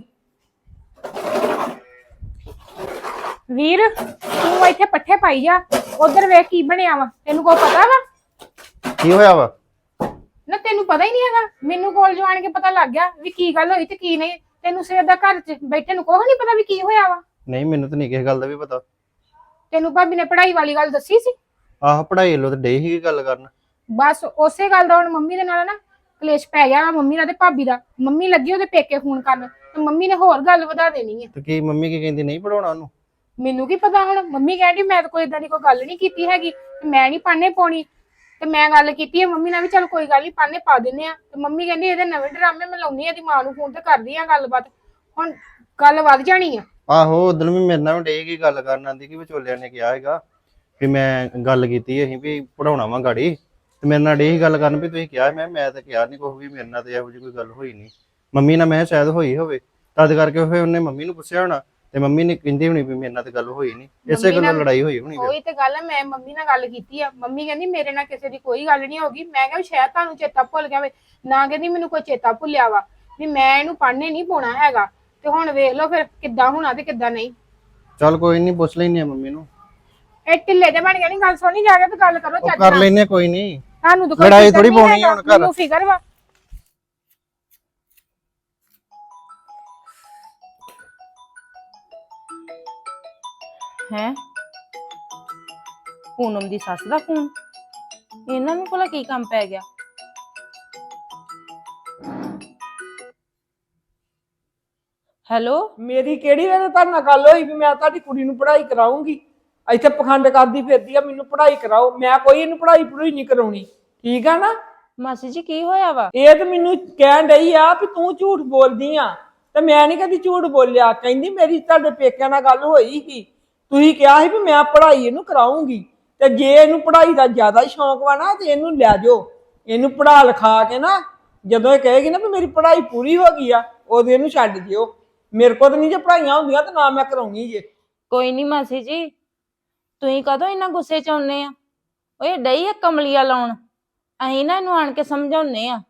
S1: ਵੀਰ ਤੂੰ ਇੱਥੇ ਪੱਠੇ ਪਾਈ ਜਾ, ਉਧਰ ਵੇਖ ਕੀ ਬਣਿਆ ਵਾ, ਤੈਨੂੰ ਕੋਈ ਪਤਾ ਵਾ?
S4: ਕੀ ਹੋਇਆ ਵਾ?
S1: ਨਾ ਤੈਨੂੰ ਪਤਾ ਹੀ ਨਹੀਂ ਹੈਗਾ? ਮੈਨੂੰ ਕੋਲ ਜਾਣ ਕੇ ਪਤਾ ਲੱਗ ਗਿਆ ਵੀ ਕੀ ਗੱਲ ਹੋਈ ਤੇ ਕੀ ਨਹੀਂ। ਤੈਨੂੰ ਸਵੇਰ ਦਾ ਘਰ 'ਚ ਬੈਠੇ ਨੂੰ ਕੁਛ ਨਹੀਂ ਪਤਾ ਵੀ ਕੀ ਹੋਇਆ ਵਾ?
S4: ਨਹੀਂ ਮੈਨੂੰ ਤਾਂ ਨਹੀਂ ਕਿਸੇ ਗੱਲ ਦਾ ਵੀ ਪਤਾ।
S1: ਤੈਨੂੰ ਭਾਬੀ ਨੇ ਪੜ੍ਹਾਈ ਵਾਲੀ ਗੱਲ ਦੱਸੀ ਸੀ?
S4: ਆਹ ਪੜ੍ਹਾਈ ਲੋ ਤੇ ਡੇ ਹੀ ਗੱਲ ਕਰਨ।
S1: ਬਸ ਉਸੇ ਗੱਲ ਦਾ ਹੁਣ ਮੰਮੀ ਦੇ ਨਾਲ ਨਾ ਕਲੇਸ਼ ਪੈ ਗਿਆ, ਮੰਮੀ ਨਾਲ ਤੇ ਭਾਬੀ ਦਾ। ਮੰਮੀ ਲੱਗੀ ਉਹਦੇ ਪੇਕੇ ਫੋਨ ਕਰਨ ਤੇ ਮੰਮੀ ਨੇ ਹੋਰ ਗੱਲ ਵਧਾ ਦੇਣੀ ਹੈ।
S4: ਤੇ ਕੀ ਮੰਮੀ ਕੀ ਕਹਿੰਦੀ, ਨਹੀਂ ਪੜਾਉਣਾ ਉਹਨੂੰ?
S1: ਮੈਨੂੰ ਕੀ ਪਤਾ, ਹੁਣ ਮੰਮੀ ਕਹਿੰਦੀ ਮੈਂ ਤਾਂ ਕੋਈ ਇਦਾਂ ਦੀ ਕੋਈ ਗੱਲ ਨਹੀਂ ਕੀਤੀ ਹੈਗੀ, ਤੇ ਮੈਂ ਨਹੀਂ ਪਾਣੇ ਪਾਉਣੀ। ਤੇ ਮੈਂ ਗੱਲ ਕੀਤੀ ਹੈ ਮੰਮੀ ਨਾਲ ਵੀ ਚੱਲ ਕੋਈ ਗੱਲ ਨਹੀਂ ਪਾਣੇ ਪਾ ਦਿੰਦੇ ਆ। ਤੇ ਮੰਮੀ ਕਹਿੰਦੀ ਇਹਦੇ ਨਵੇਂ ਡਰਾਮੇ ਮੈਂ ਲਾਉਣੀ ਆ, ਇਹਦੀ ਮਾਂ ਨੂੰ ਫੋਨ ਤੇ ਕਰਦੀ ਆ ਗੱਲਬਾਤ। ਹੁਣ ਗੱਲ ਵੱਧ ਜਾਣੀ ਆ।
S4: ਆਹੋ ਉਦੋਂ ਵੀ ਮੇਰੇ ਨਾਲ ਡੇ ਕੀ ਗੱਲ ਕਰਨ ਆਂਦੀ ਕਿ ਵਿਚੋਲਿਆਂ ਨੇ ਕਿਹਾ ਹੈਗਾ ਵੀ ਮੈਂ ਗੱਲ ਕੀਤੀ ਅਸੀਂ ਵੀ ਪੜਾਉਣਾ ਵਾ ਗਾੜੀ, ਤੇ ਮੇਰੇ ਨਾਲ ਡੇ ਹੀ ਗੱਲ ਕਰਨ ਵੀ ਤੁਸੀਂ ਕਿਹਾ। ਮੈਂ ਤਾਂ ਕਿਹਾ ਨਹੀਂ ਕੁਛ ਵੀ, ਮੇਰੇ ਨਾਲ ਤੇ ਇਹੋ ਜਿਹੀ ਕੋਈ ਗੱਲ ਹੋਈ ਨਹੀਂ। ਮੰਮੀ ਨਾਲ ਮੈਂ ਸ਼ਾਇਦ ਹੋਈ ਹੋਵੇ, ਤਦ ਕਰਕੇ ਫਿਰ ਉਹਨੇ ਮੰਮੀ ਨੂੰ ਪੁੱਛਿਆ ਹੋਣਾ, ਤੇ ਮੰਮੀ ਨੇ ਕਹਿੰਦੀ ਹੋਣੀ ਵੀ ਮੇਰੇ ਨਾਲ ਤੇ ਗੱਲ ਹੋਈ ਨਹੀਂ, ਇਸੇ ਗੱਲੋਂ ਲੜਾਈ ਹੋਈ ਹੋਣੀ।
S1: ਉਹੀ ਤੇ ਗੱਲ ਹੈ, ਮੈਂ ਮੰਮੀ ਨਾਲ ਗੱਲ ਕੀਤੀ ਆ, ਮੰਮੀ ਕਹਿੰਦੀ ਮੇਰੇ ਨਾਲ ਕਿਸੇ ਦੀ ਕੋਈ ਗੱਲ ਨਹੀਂ ਹੋਗੀ। ਮੈਂ ਕਿਹਾ ਸ਼ਾਇਦ ਤੁਹਾਨੂੰ ਚੇਤਾ ਭੁੱਲ ਗਿਆ ਵੇ। ਨਾ ਕਹਿੰਦੀ ਮੈਨੂੰ ਕੋਈ ਚੇਤਾ ਭੁੱਲਿਆ ਵਾ ਵੀ ਮੈਂ ਇਹਨੂੰ ਪੜ੍ਹਨੇ ਨਹੀਂ ਪਾਉਣਾ ਹੈਗਾ। ਤੇ ਹੁਣ ਵੇਖ ਲਓ ਫਿਰ ਕਿੱਦਾਂ ਹੋਣਾ ਤੇ ਕਿੱਦਾਂ ਨਹੀਂ।
S4: ਚੱਲ ਕੋਈ ਨਹੀਂ, ਪੁੱਛ ਲੈਣੀ ਆ ਮੰਮੀ ਨੂੰ।
S1: ਇਹ ਢਿੱਲੇ ਦੇ ਬਣ ਗਏ ਨੀ, ਗੱਲ ਸੁਣੀ ਜਾ ਕੇ ਤੇ ਗੱਲ ਕਰੋ ਚੱਜ
S4: ਕਰ
S1: ਨਾਲ।
S4: ਲੈਨੇ ਕੋਈ ਨਹੀਂ,
S1: ਤੁਹਾਨੂੰ ਤਾਂ ਕੋਈ
S4: ਲੜਾਈ
S1: ਫਿਕਰ
S4: ਥੋੜੀ
S1: ਨੀ
S4: ਪਾਉਣੀ
S1: ਹੈਗਾ,
S4: ਹੁਣ ਘਰ।
S1: ਮੈਨੂੰ ਫਿਕਰ ਵਾ।
S5: ਹੈ ਪੂਨਮ ਦੀ ਸੱਸ ਦਾ ਫੋਨ, ਇਹਨਾਂ ਨੂੰ ਭਲਾ ਕੀ ਕੰਮ ਪੈ ਗਿਆ? ਹੈਲੋ।
S3: ਮੇਰੀ ਕਿਹੜੀ ਵੇਲੇ ਤੁਹਾਡੇ ਨਾਲ ਗੱਲ ਹੋਈ ਵੀ ਮੈਂ ਤੁਹਾਡੀ ਕੁੜੀ ਨੂੰ ਪੜ੍ਹਾਈ ਕਰਾਉਂਗੀ? ਇੱਥੇ ਪਖੰਡ ਕਰਦੀ ਫਿਰਦੀ ਆ ਮੈਨੂੰ ਪੜ੍ਹਾਈ ਕਰਾਓ। ਮੈਂ ਕੋਈ ਇਹਨੂੰ ਪੜ੍ਹਾਈ ਪੜੂਈ ਨਹੀਂ ਕਰਾਉਣੀ, ਠੀਕ ਆ ਨਾ?
S5: ਮਾਸੀ ਜੀ ਕੀ ਹੋਇਆ ਵਾ?
S3: ਇਹ ਤਾਂ ਮੈਨੂੰ ਕਹਿਣ ਡਈ ਆ ਵੀ ਤੂੰ ਝੂਠ ਬੋਲਦੀ ਆ, ਤੇ ਮੈਂ ਨਹੀਂ ਕਦੀ ਝੂਠ ਬੋਲਿਆ। ਕਹਿੰਦੀ ਮੇਰੀ ਤੁਹਾਡੇ ਪੇਕਿਆਂ ਨਾਲ ਗੱਲ ਹੋਈ ਸੀ, ਤੁਸੀਂ ਕਿਹਾ ਸੀ ਵੀ ਮੈਂ ਪੜ੍ਹਾਈ ਇਹਨੂੰ ਕਰਾਉਂਗੀ, ਤੇ ਜੇ ਇਹਨੂੰ ਪੜ੍ਹਾਈ ਦਾ ਜ਼ਿਆਦਾ ਸ਼ੌਂਕ ਵਾ ਨਾ ਤੇ ਇਹਨੂੰ ਲੈ ਜਾਓ, ਇਹਨੂੰ ਪੜ੍ਹਾ ਲਿਖਾ ਕੇ ਨਾ ਜਦੋਂ ਇਹ ਕਹੇਗੀ ਨਾ ਵੀ ਮੇਰੀ ਪੜ੍ਹਾਈ ਪੂਰੀ ਹੋ ਗਈ ਆ ਉਦੋਂ ਇਹਨੂੰ ਛੱਡ ਦਿਓ। ਮੇਰੇ ਕੋਲ ਤਾਂ ਨਹੀਂ ਜੇ ਪੜ੍ਹਾਈਆਂ ਹੁੰਦੀਆਂ ਤੇ ਨਾ ਮੈਂ ਕਰਾਉਣੀ ਜੇ।
S5: ਕੋਈ ਨਹੀਂ ਮਾਸੀ ਜੀ, ਤੁਸੀਂ ਕਦੋਂ ਇੰਨਾ ਗੁੱਸੇ ਚ ਆਉਨੇ ਆ? ਓਏ ਡਈ ਆ ਕਮਲੀਆ ਲਾਉਣ, ਅਸੀਂ ਨਾ ਇਹਨੂੰ ਆਣ ਕੇ ਸਮਝਾਉਨੇ ਆ।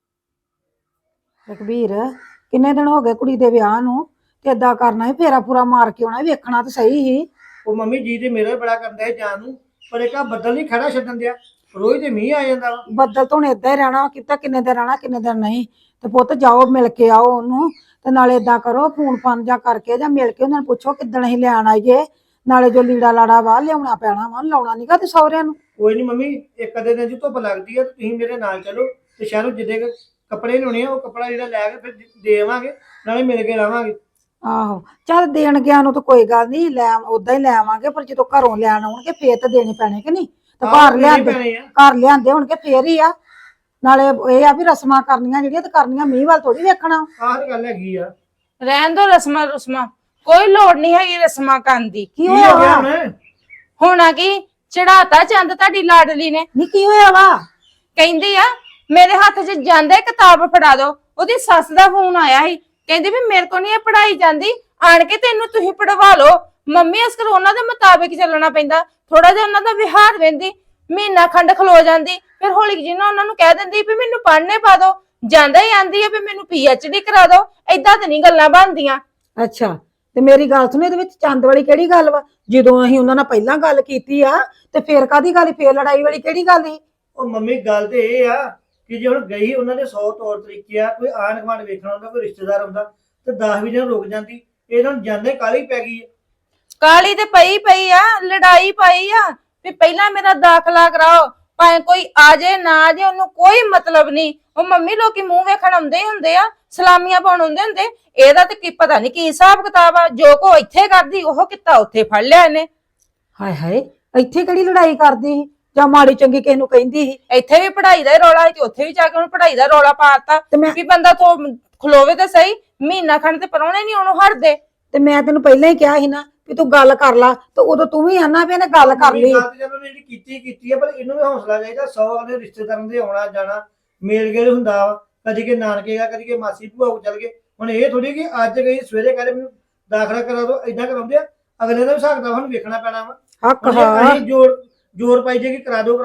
S6: ਰਘਬੀਰ, ਕਿੰਨੇ ਦਿਨ ਹੋ ਗਏ ਕੁੜੀ ਦੇ ਵਿਆਹ ਨੂੰ, ਤੇ ਏਦਾਂ ਕਰਨਾ ਹੀ ਫੇਰਾ ਪੂਰਾ ਮਾਰ ਕੇ ਆਉਣਾ, ਵੇਖਣਾ ਤਾਂ ਸਹੀ ਹੀ।
S7: ਉਹ ਮੰਮੀ ਜੀ ਤੇ ਮੇਰਾ ਬੜਾ ਕਰਦਾ ਹੈ ਜਾਣ ਨੂੰ, ਪਰ ਇੱਕ ਆ ਬੱਦਲ ਨਹੀਂ ਖੜਾ ਛੱਡਣ ਦਿਆ, ਰੋਜ਼ ਤੇ ਮੀਂਹ ਆ ਜਾਂਦਾ ਵਾ।
S6: ਬੱਦਲ ਤੋਂ ਹੁਣ ਏਦਾਂ ਹੀ ਰਹਿਣਾ, ਕਿਤਾ ਕਿੰਨੇ ਦਿਨ ਰਹਿਣਾ ਕਿੰਨੇ ਦਿਨ ਨਹੀਂ। ਤੇ ਪੁੱਤ ਜਾਓ ਮਿਲ ਕੇ ਆਓ ਉਹਨੂੰ, ਤੇ ਨਾਲੇ ਏਦਾਂ ਕਰੋ ਫੋਨ ਫਾਨ ਜਾਂ ਕਰਕੇ ਜਾਂ ਮਿਲ ਕੇ ਉਹਨਾਂ ਨੂੰ ਪੁੱਛੋ ਕਿੱਦਣ ਅਸੀਂ ਲੈਣ ਆਈਏ, ਨਾਲੇ ਜੋ ਲੀੜਾ ਲਾੜਾ ਵਾ ਲਿਆਉਣਾ ਪੈਣਾ ਵਾ, ਲਾਉਣਾ ਨੀਗਾ ਤੇ ਸਹੁਰਿਆਂ ਨੂੰ।
S7: ਕੋਈ ਨਹੀਂ ਮੰਮੀ, ਇੱਕ ਅੱਧੇ ਦਿਨ ਜੀ ਧੁੱਪ ਲੱਗਦੀ ਆ ਤੇ ਤੁਸੀਂ ਮੇਰੇ ਨਾਲ ਚਲੋ ਤੇ ਸ਼ਹਿਰੋਂ ਜਿੱਦੇ ਕੱਪੜੇ ਲਾਉਣੇ ਆ ਉਹ ਕੱਪੜਾ ਜਿਹੜਾ ਲੈ ਕੇ ਫਿਰ ਦੇ ਆਵਾਂਗੇ, ਨਾਲੇ ਮਿਲ ਕੇ ਲਾਵਾਂਗੇ।
S6: ਆਹੋ ਚੱਲ ਦੇਣ ਗਿਆ ਨੂੰ ਤਾਂ ਕੋਈ ਗੱਲ ਨਹੀਂ, ਲੈ ਉਦਾਂ ਹੀ ਲੈ ਆਵਾਂਗੇ, ਪਰ ਜਦੋਂ ਘਰੋਂ ਲੈਣ ਆਉਣਗੇ ਫੇਰ ਤਾਂ ਦੇਣੇ ਪੈਣੇ ਕਿ ਨਹੀਂ? ਤੇ ਘਰ ਲਿਆਂਦੇ ਘਰ ਲਿਆਂਦੇ ਹੋਣਗੇ ਫੇਰ ਹੀ ਆ। ਨਾਲੇ ਇਹ ਆ ਵੀ ਰਸਮਾਂ ਕਰਨੀਆਂ ਜਿਹੜੀਆਂ ਤੇ ਕਰਨੀਆਂ ਮੀਂਹ ਵੱਲ ਥੋੜੀ ਵੇਖਣਾ।
S7: ਆਹ ਤੇ ਗੱਲ ਹੈਗੀ ਆ।
S5: ਰਹਿਣ ਦੋ ਰਸਮਾਂ ਰੁਸਮਾਂ, ਕੋਈ ਲੋੜ ਨਹੀਂ ਹੈਗੀ ਰਸਮਾਂ ਕਰਨ ਦੀ।
S6: ਕੀ
S7: ਕੀ
S6: ਹੋਇਆ
S7: ਹੋ ਗਿਆ
S6: ਵਾ?
S7: ਹੁਣ?
S5: ਹੋਣਾ ਕੀ, ਚੜਾਤਾ ਚੰਦ ਤੁਹਾਡੀ ਲਾਡਲੀ ਨੇ।
S6: ਨੀ ਕੀ ਹੋਇਆ ਵਾ?
S5: ਕਹਿੰਦੀ ਆ ਮੇਰੇ ਹੱਥ 'ਚ ਜਾਂਦੇ ਕਿਤਾਬ ਫੜਾ ਦੋ। ਉਹਦੀ ਸੱਸ ਦਾ ਫੋਨ ਆਇਆ ਸੀ, ਕਹਿੰਦੀ ਵੀ ਮੇਰੇ ਕੋ ਨਹੀਂ ਇਹ ਪੜਾਈ ਜਾਂਦੀ, ਆਣ ਕੇ ਤੈਨੂੰ ਤੁਸੀਂ ਪੜਵਾ ਲਓ। ਮੰਮੀ ਇਸ ਕਰ ਉਹਨਾਂ ਦੇ ਮੁਤਾਬਿਕ ਚੱਲਣਾ ਪੈਂਦਾ, ਥੋੜਾ ਜਿਹਾ ਉਹਨਾਂ ਦਾ ਵਿਹਾਰ ਵੇਂਦੀ, ਮਹੀਨਾ ਖੰਡ ਖਲੋ ਜਾਂਦੀ, ਫਿਰ ਹੌਲੀ ਜਿਹੀ ਨਾ ਉਹਨਾਂ ਨੂੰ ਕਹਿ ਦਿੰਦੀ ਵੀ ਮੈਨੂੰ ਪੜ੍ਹਨੇ ਪਾ ਦੋ। ਜਾਂਦਾ ਹੀ ਆਂਦੀ ਆ ਵੀ ਮੈਨੂੰ PhD ਕਰਾ ਦੋ। ਏਦਾਂ ਤੇ ਨਹੀਂ ਗੱਲਾਂ ਬਣਦੀਆਂ।
S6: ਅੱਛਾ, ਤੇ ਮੇਰੀ ਗੱਲ ਸੁਣ, ਇਹਦੇ ਵਿੱਚ ਚੰਦ ਵਾਲੀ ਕਿਹੜੀ ਗੱਲ ਵਾ? ਜਦੋਂ ਅਸੀਂ ਉਹਨਾਂ ਨਾਲ ਪਹਿਲਾਂ ਗੱਲ ਕੀਤੀ ਆ ਤੇ ਫੇਰ ਕਾਦੀ ਗੱਲ, ਫੇਰ ਲੜਾਈ ਵਾਲੀ ਕਿਹੜੀ ਗੱਲ ਸੀ?
S7: ਉਹ ਮੰਮੀ ਗੱਲ ਤੇ ਇਹ ਆ ਕਿ ਜੇ ਹੁਣ ਗਈ ਉਹਨਾਂ ਦੇ 100 ਤੌਰ ਤਰੀਕੇ ਆ, ਕੋਈ ਆਣ ਗੁਆਂਢ ਵੇਖਣਾ ਹੁੰਦਾ, ਕੋਈ ਰਿਸ਼ਤੇਦਾਰ ਹੁੰਦਾ ਤੇ 10 ਦਿਨ ਰੁਕ ਜਾਂਦੀ। ਇਹਨਾਂ ਨੂੰ ਜਾਂਦੇ ਕਾਹਲੀ ਪੈ ਗਈ ਆ।
S5: ਕਾਲੀ ਤੇ ਪਈ ਆ, ਲੜਾਈ ਪਾਈ ਆ ਵੀ ਪਹਿਲਾਂ ਮੇਰਾ ਦਾਖਲਾ ਕਰਾਓ, ਭਾਵੇਂ ਕੋਈ ਆ ਜੇ ਨਾ ਆ ਜੇ ਉਹਨੂੰ ਕੋਈ ਮਤਲਬ ਨਹੀਂ। ਉਹ ਮੰਮੀ ਲੋਕੀ ਮੂੰਹ ਵੇਖਣ ਆਉਂਦੇ ਹੀ ਹੁੰਦੇ ਆ, ਸਲਾਮੀਆਂ ਪਾਉਣ ਆਉਂਦੇ ਹੁੰਦੇ। ਇਹਦਾ ਤੇ ਕੀ ਪਤਾ ਨਹੀਂ ਕੀ ਹਿਸਾਬ ਕਿਤਾਬ ਆ, ਜੋ ਕੋ ਇੱਥੇ ਕਰਦੀ ਉਹ ਕਿੱਤਾ ਉੱਥੇ ਫੜ ਲਿਆ ਇਹਨੇ।
S6: ਹਾਏ ਹਾਏ, ਇੱਥੇ ਕਿਹੜੀ ਲੜਾਈ ਕਰਦੀ ਸੀ ਜਾਂ ਮਾੜੀ ਚੰਗੀ ਕਿਸੇ ਨੂੰ ਕਹਿੰਦੀ ਸੀ?
S5: ਇੱਥੇ ਵੀ ਪੜ੍ਹਾਈ ਦਾ ਹੀ ਰੌਲਾ ਸੀ ਤੇ ਉੱਥੇ ਵੀ ਜਾ ਕੇ ਉਹਨੂੰ ਪੜ੍ਹਾਈ ਦਾ ਰੌਲਾ ਪਾਤਾ
S6: ਤੇ ਮੈਂ
S5: ਵੀ ਬੰਦਾ ਤੋਂ ਖਲੋਵੇ ਤੇ ਸਹੀ, ਮਹੀਨਾ ਖੰਡ ਤੇ ਪਰੌਣੇ ਨਹੀਂ ਉਹਨੂੰ ਹਟਦੇ।
S6: ਤੇ ਮੈਂ ਤੈਨੂੰ ਪਹਿਲਾਂ ਹੀ ਕਿਹਾ ਸੀ ਨਾ ਵੀ ਤੂੰ ਗੱਲ ਕਰ ਲਾ, ਤੇ ਉਦੋਂ ਤੂੰ ਵੀ ਆਨਾ ਵੀ ਇਹਨੇ ਗੱਲ ਕਰ ਲਈ।
S7: ਗੱਲ ਤੇ ਜਦੋਂ ਉਹਨੇ ਜਿਹੜੀ ਕੀਤੀ ਆ, ਪਰ ਇਹਨੂੰ ਵੀ ਹੌਸਲਾ ਚਾਹੀਦਾ। 100 ਆਪਣੇ ਰਿਸ਼ਤੇਦਾਰਾਂ ਦੇ ਆਉਣਾ ਜਾਣਾ ਮੇਲ ਗੇਲ ਹੁੰਦਾ ਵਾ, ਕਦੀ ਕਿ ਨਾਨਕੇ ਗਾ, ਕਦੀ ਕਿ ਮਾਸੀ ਭੂਆ ਕੋਲ ਚਲ ਗਏ। ਹੁਣ ਇਹ ਥੋੜੀ ਕਿ ਅੱਜ ਗਈ ਸਵੇਰੇ ਕਹਿੰਦੇ ਮੈਨੂੰ ਦਾਖਲਾ ਕਰਾ ਦੋ, ਏਦਾਂ ਕਰਾਉਂਦੇ ਆ। ਅਗਲੇ ਦਾ ਵੀ ਹਿਸਾਬ ਕਿਤਾਬ ਸਾਨੂੰ ਵੇਖਣਾ ਪੈਣਾ ਵਾ।
S6: ਹੱਕ
S7: ਹੁਣ ਜੇ
S6: ਹਾਂ,
S7: ਅਸੀਂ ਜ਼ੋਰ ਪਾਈ ਜੇ ਕਿ ਕਰਾ ਦੋ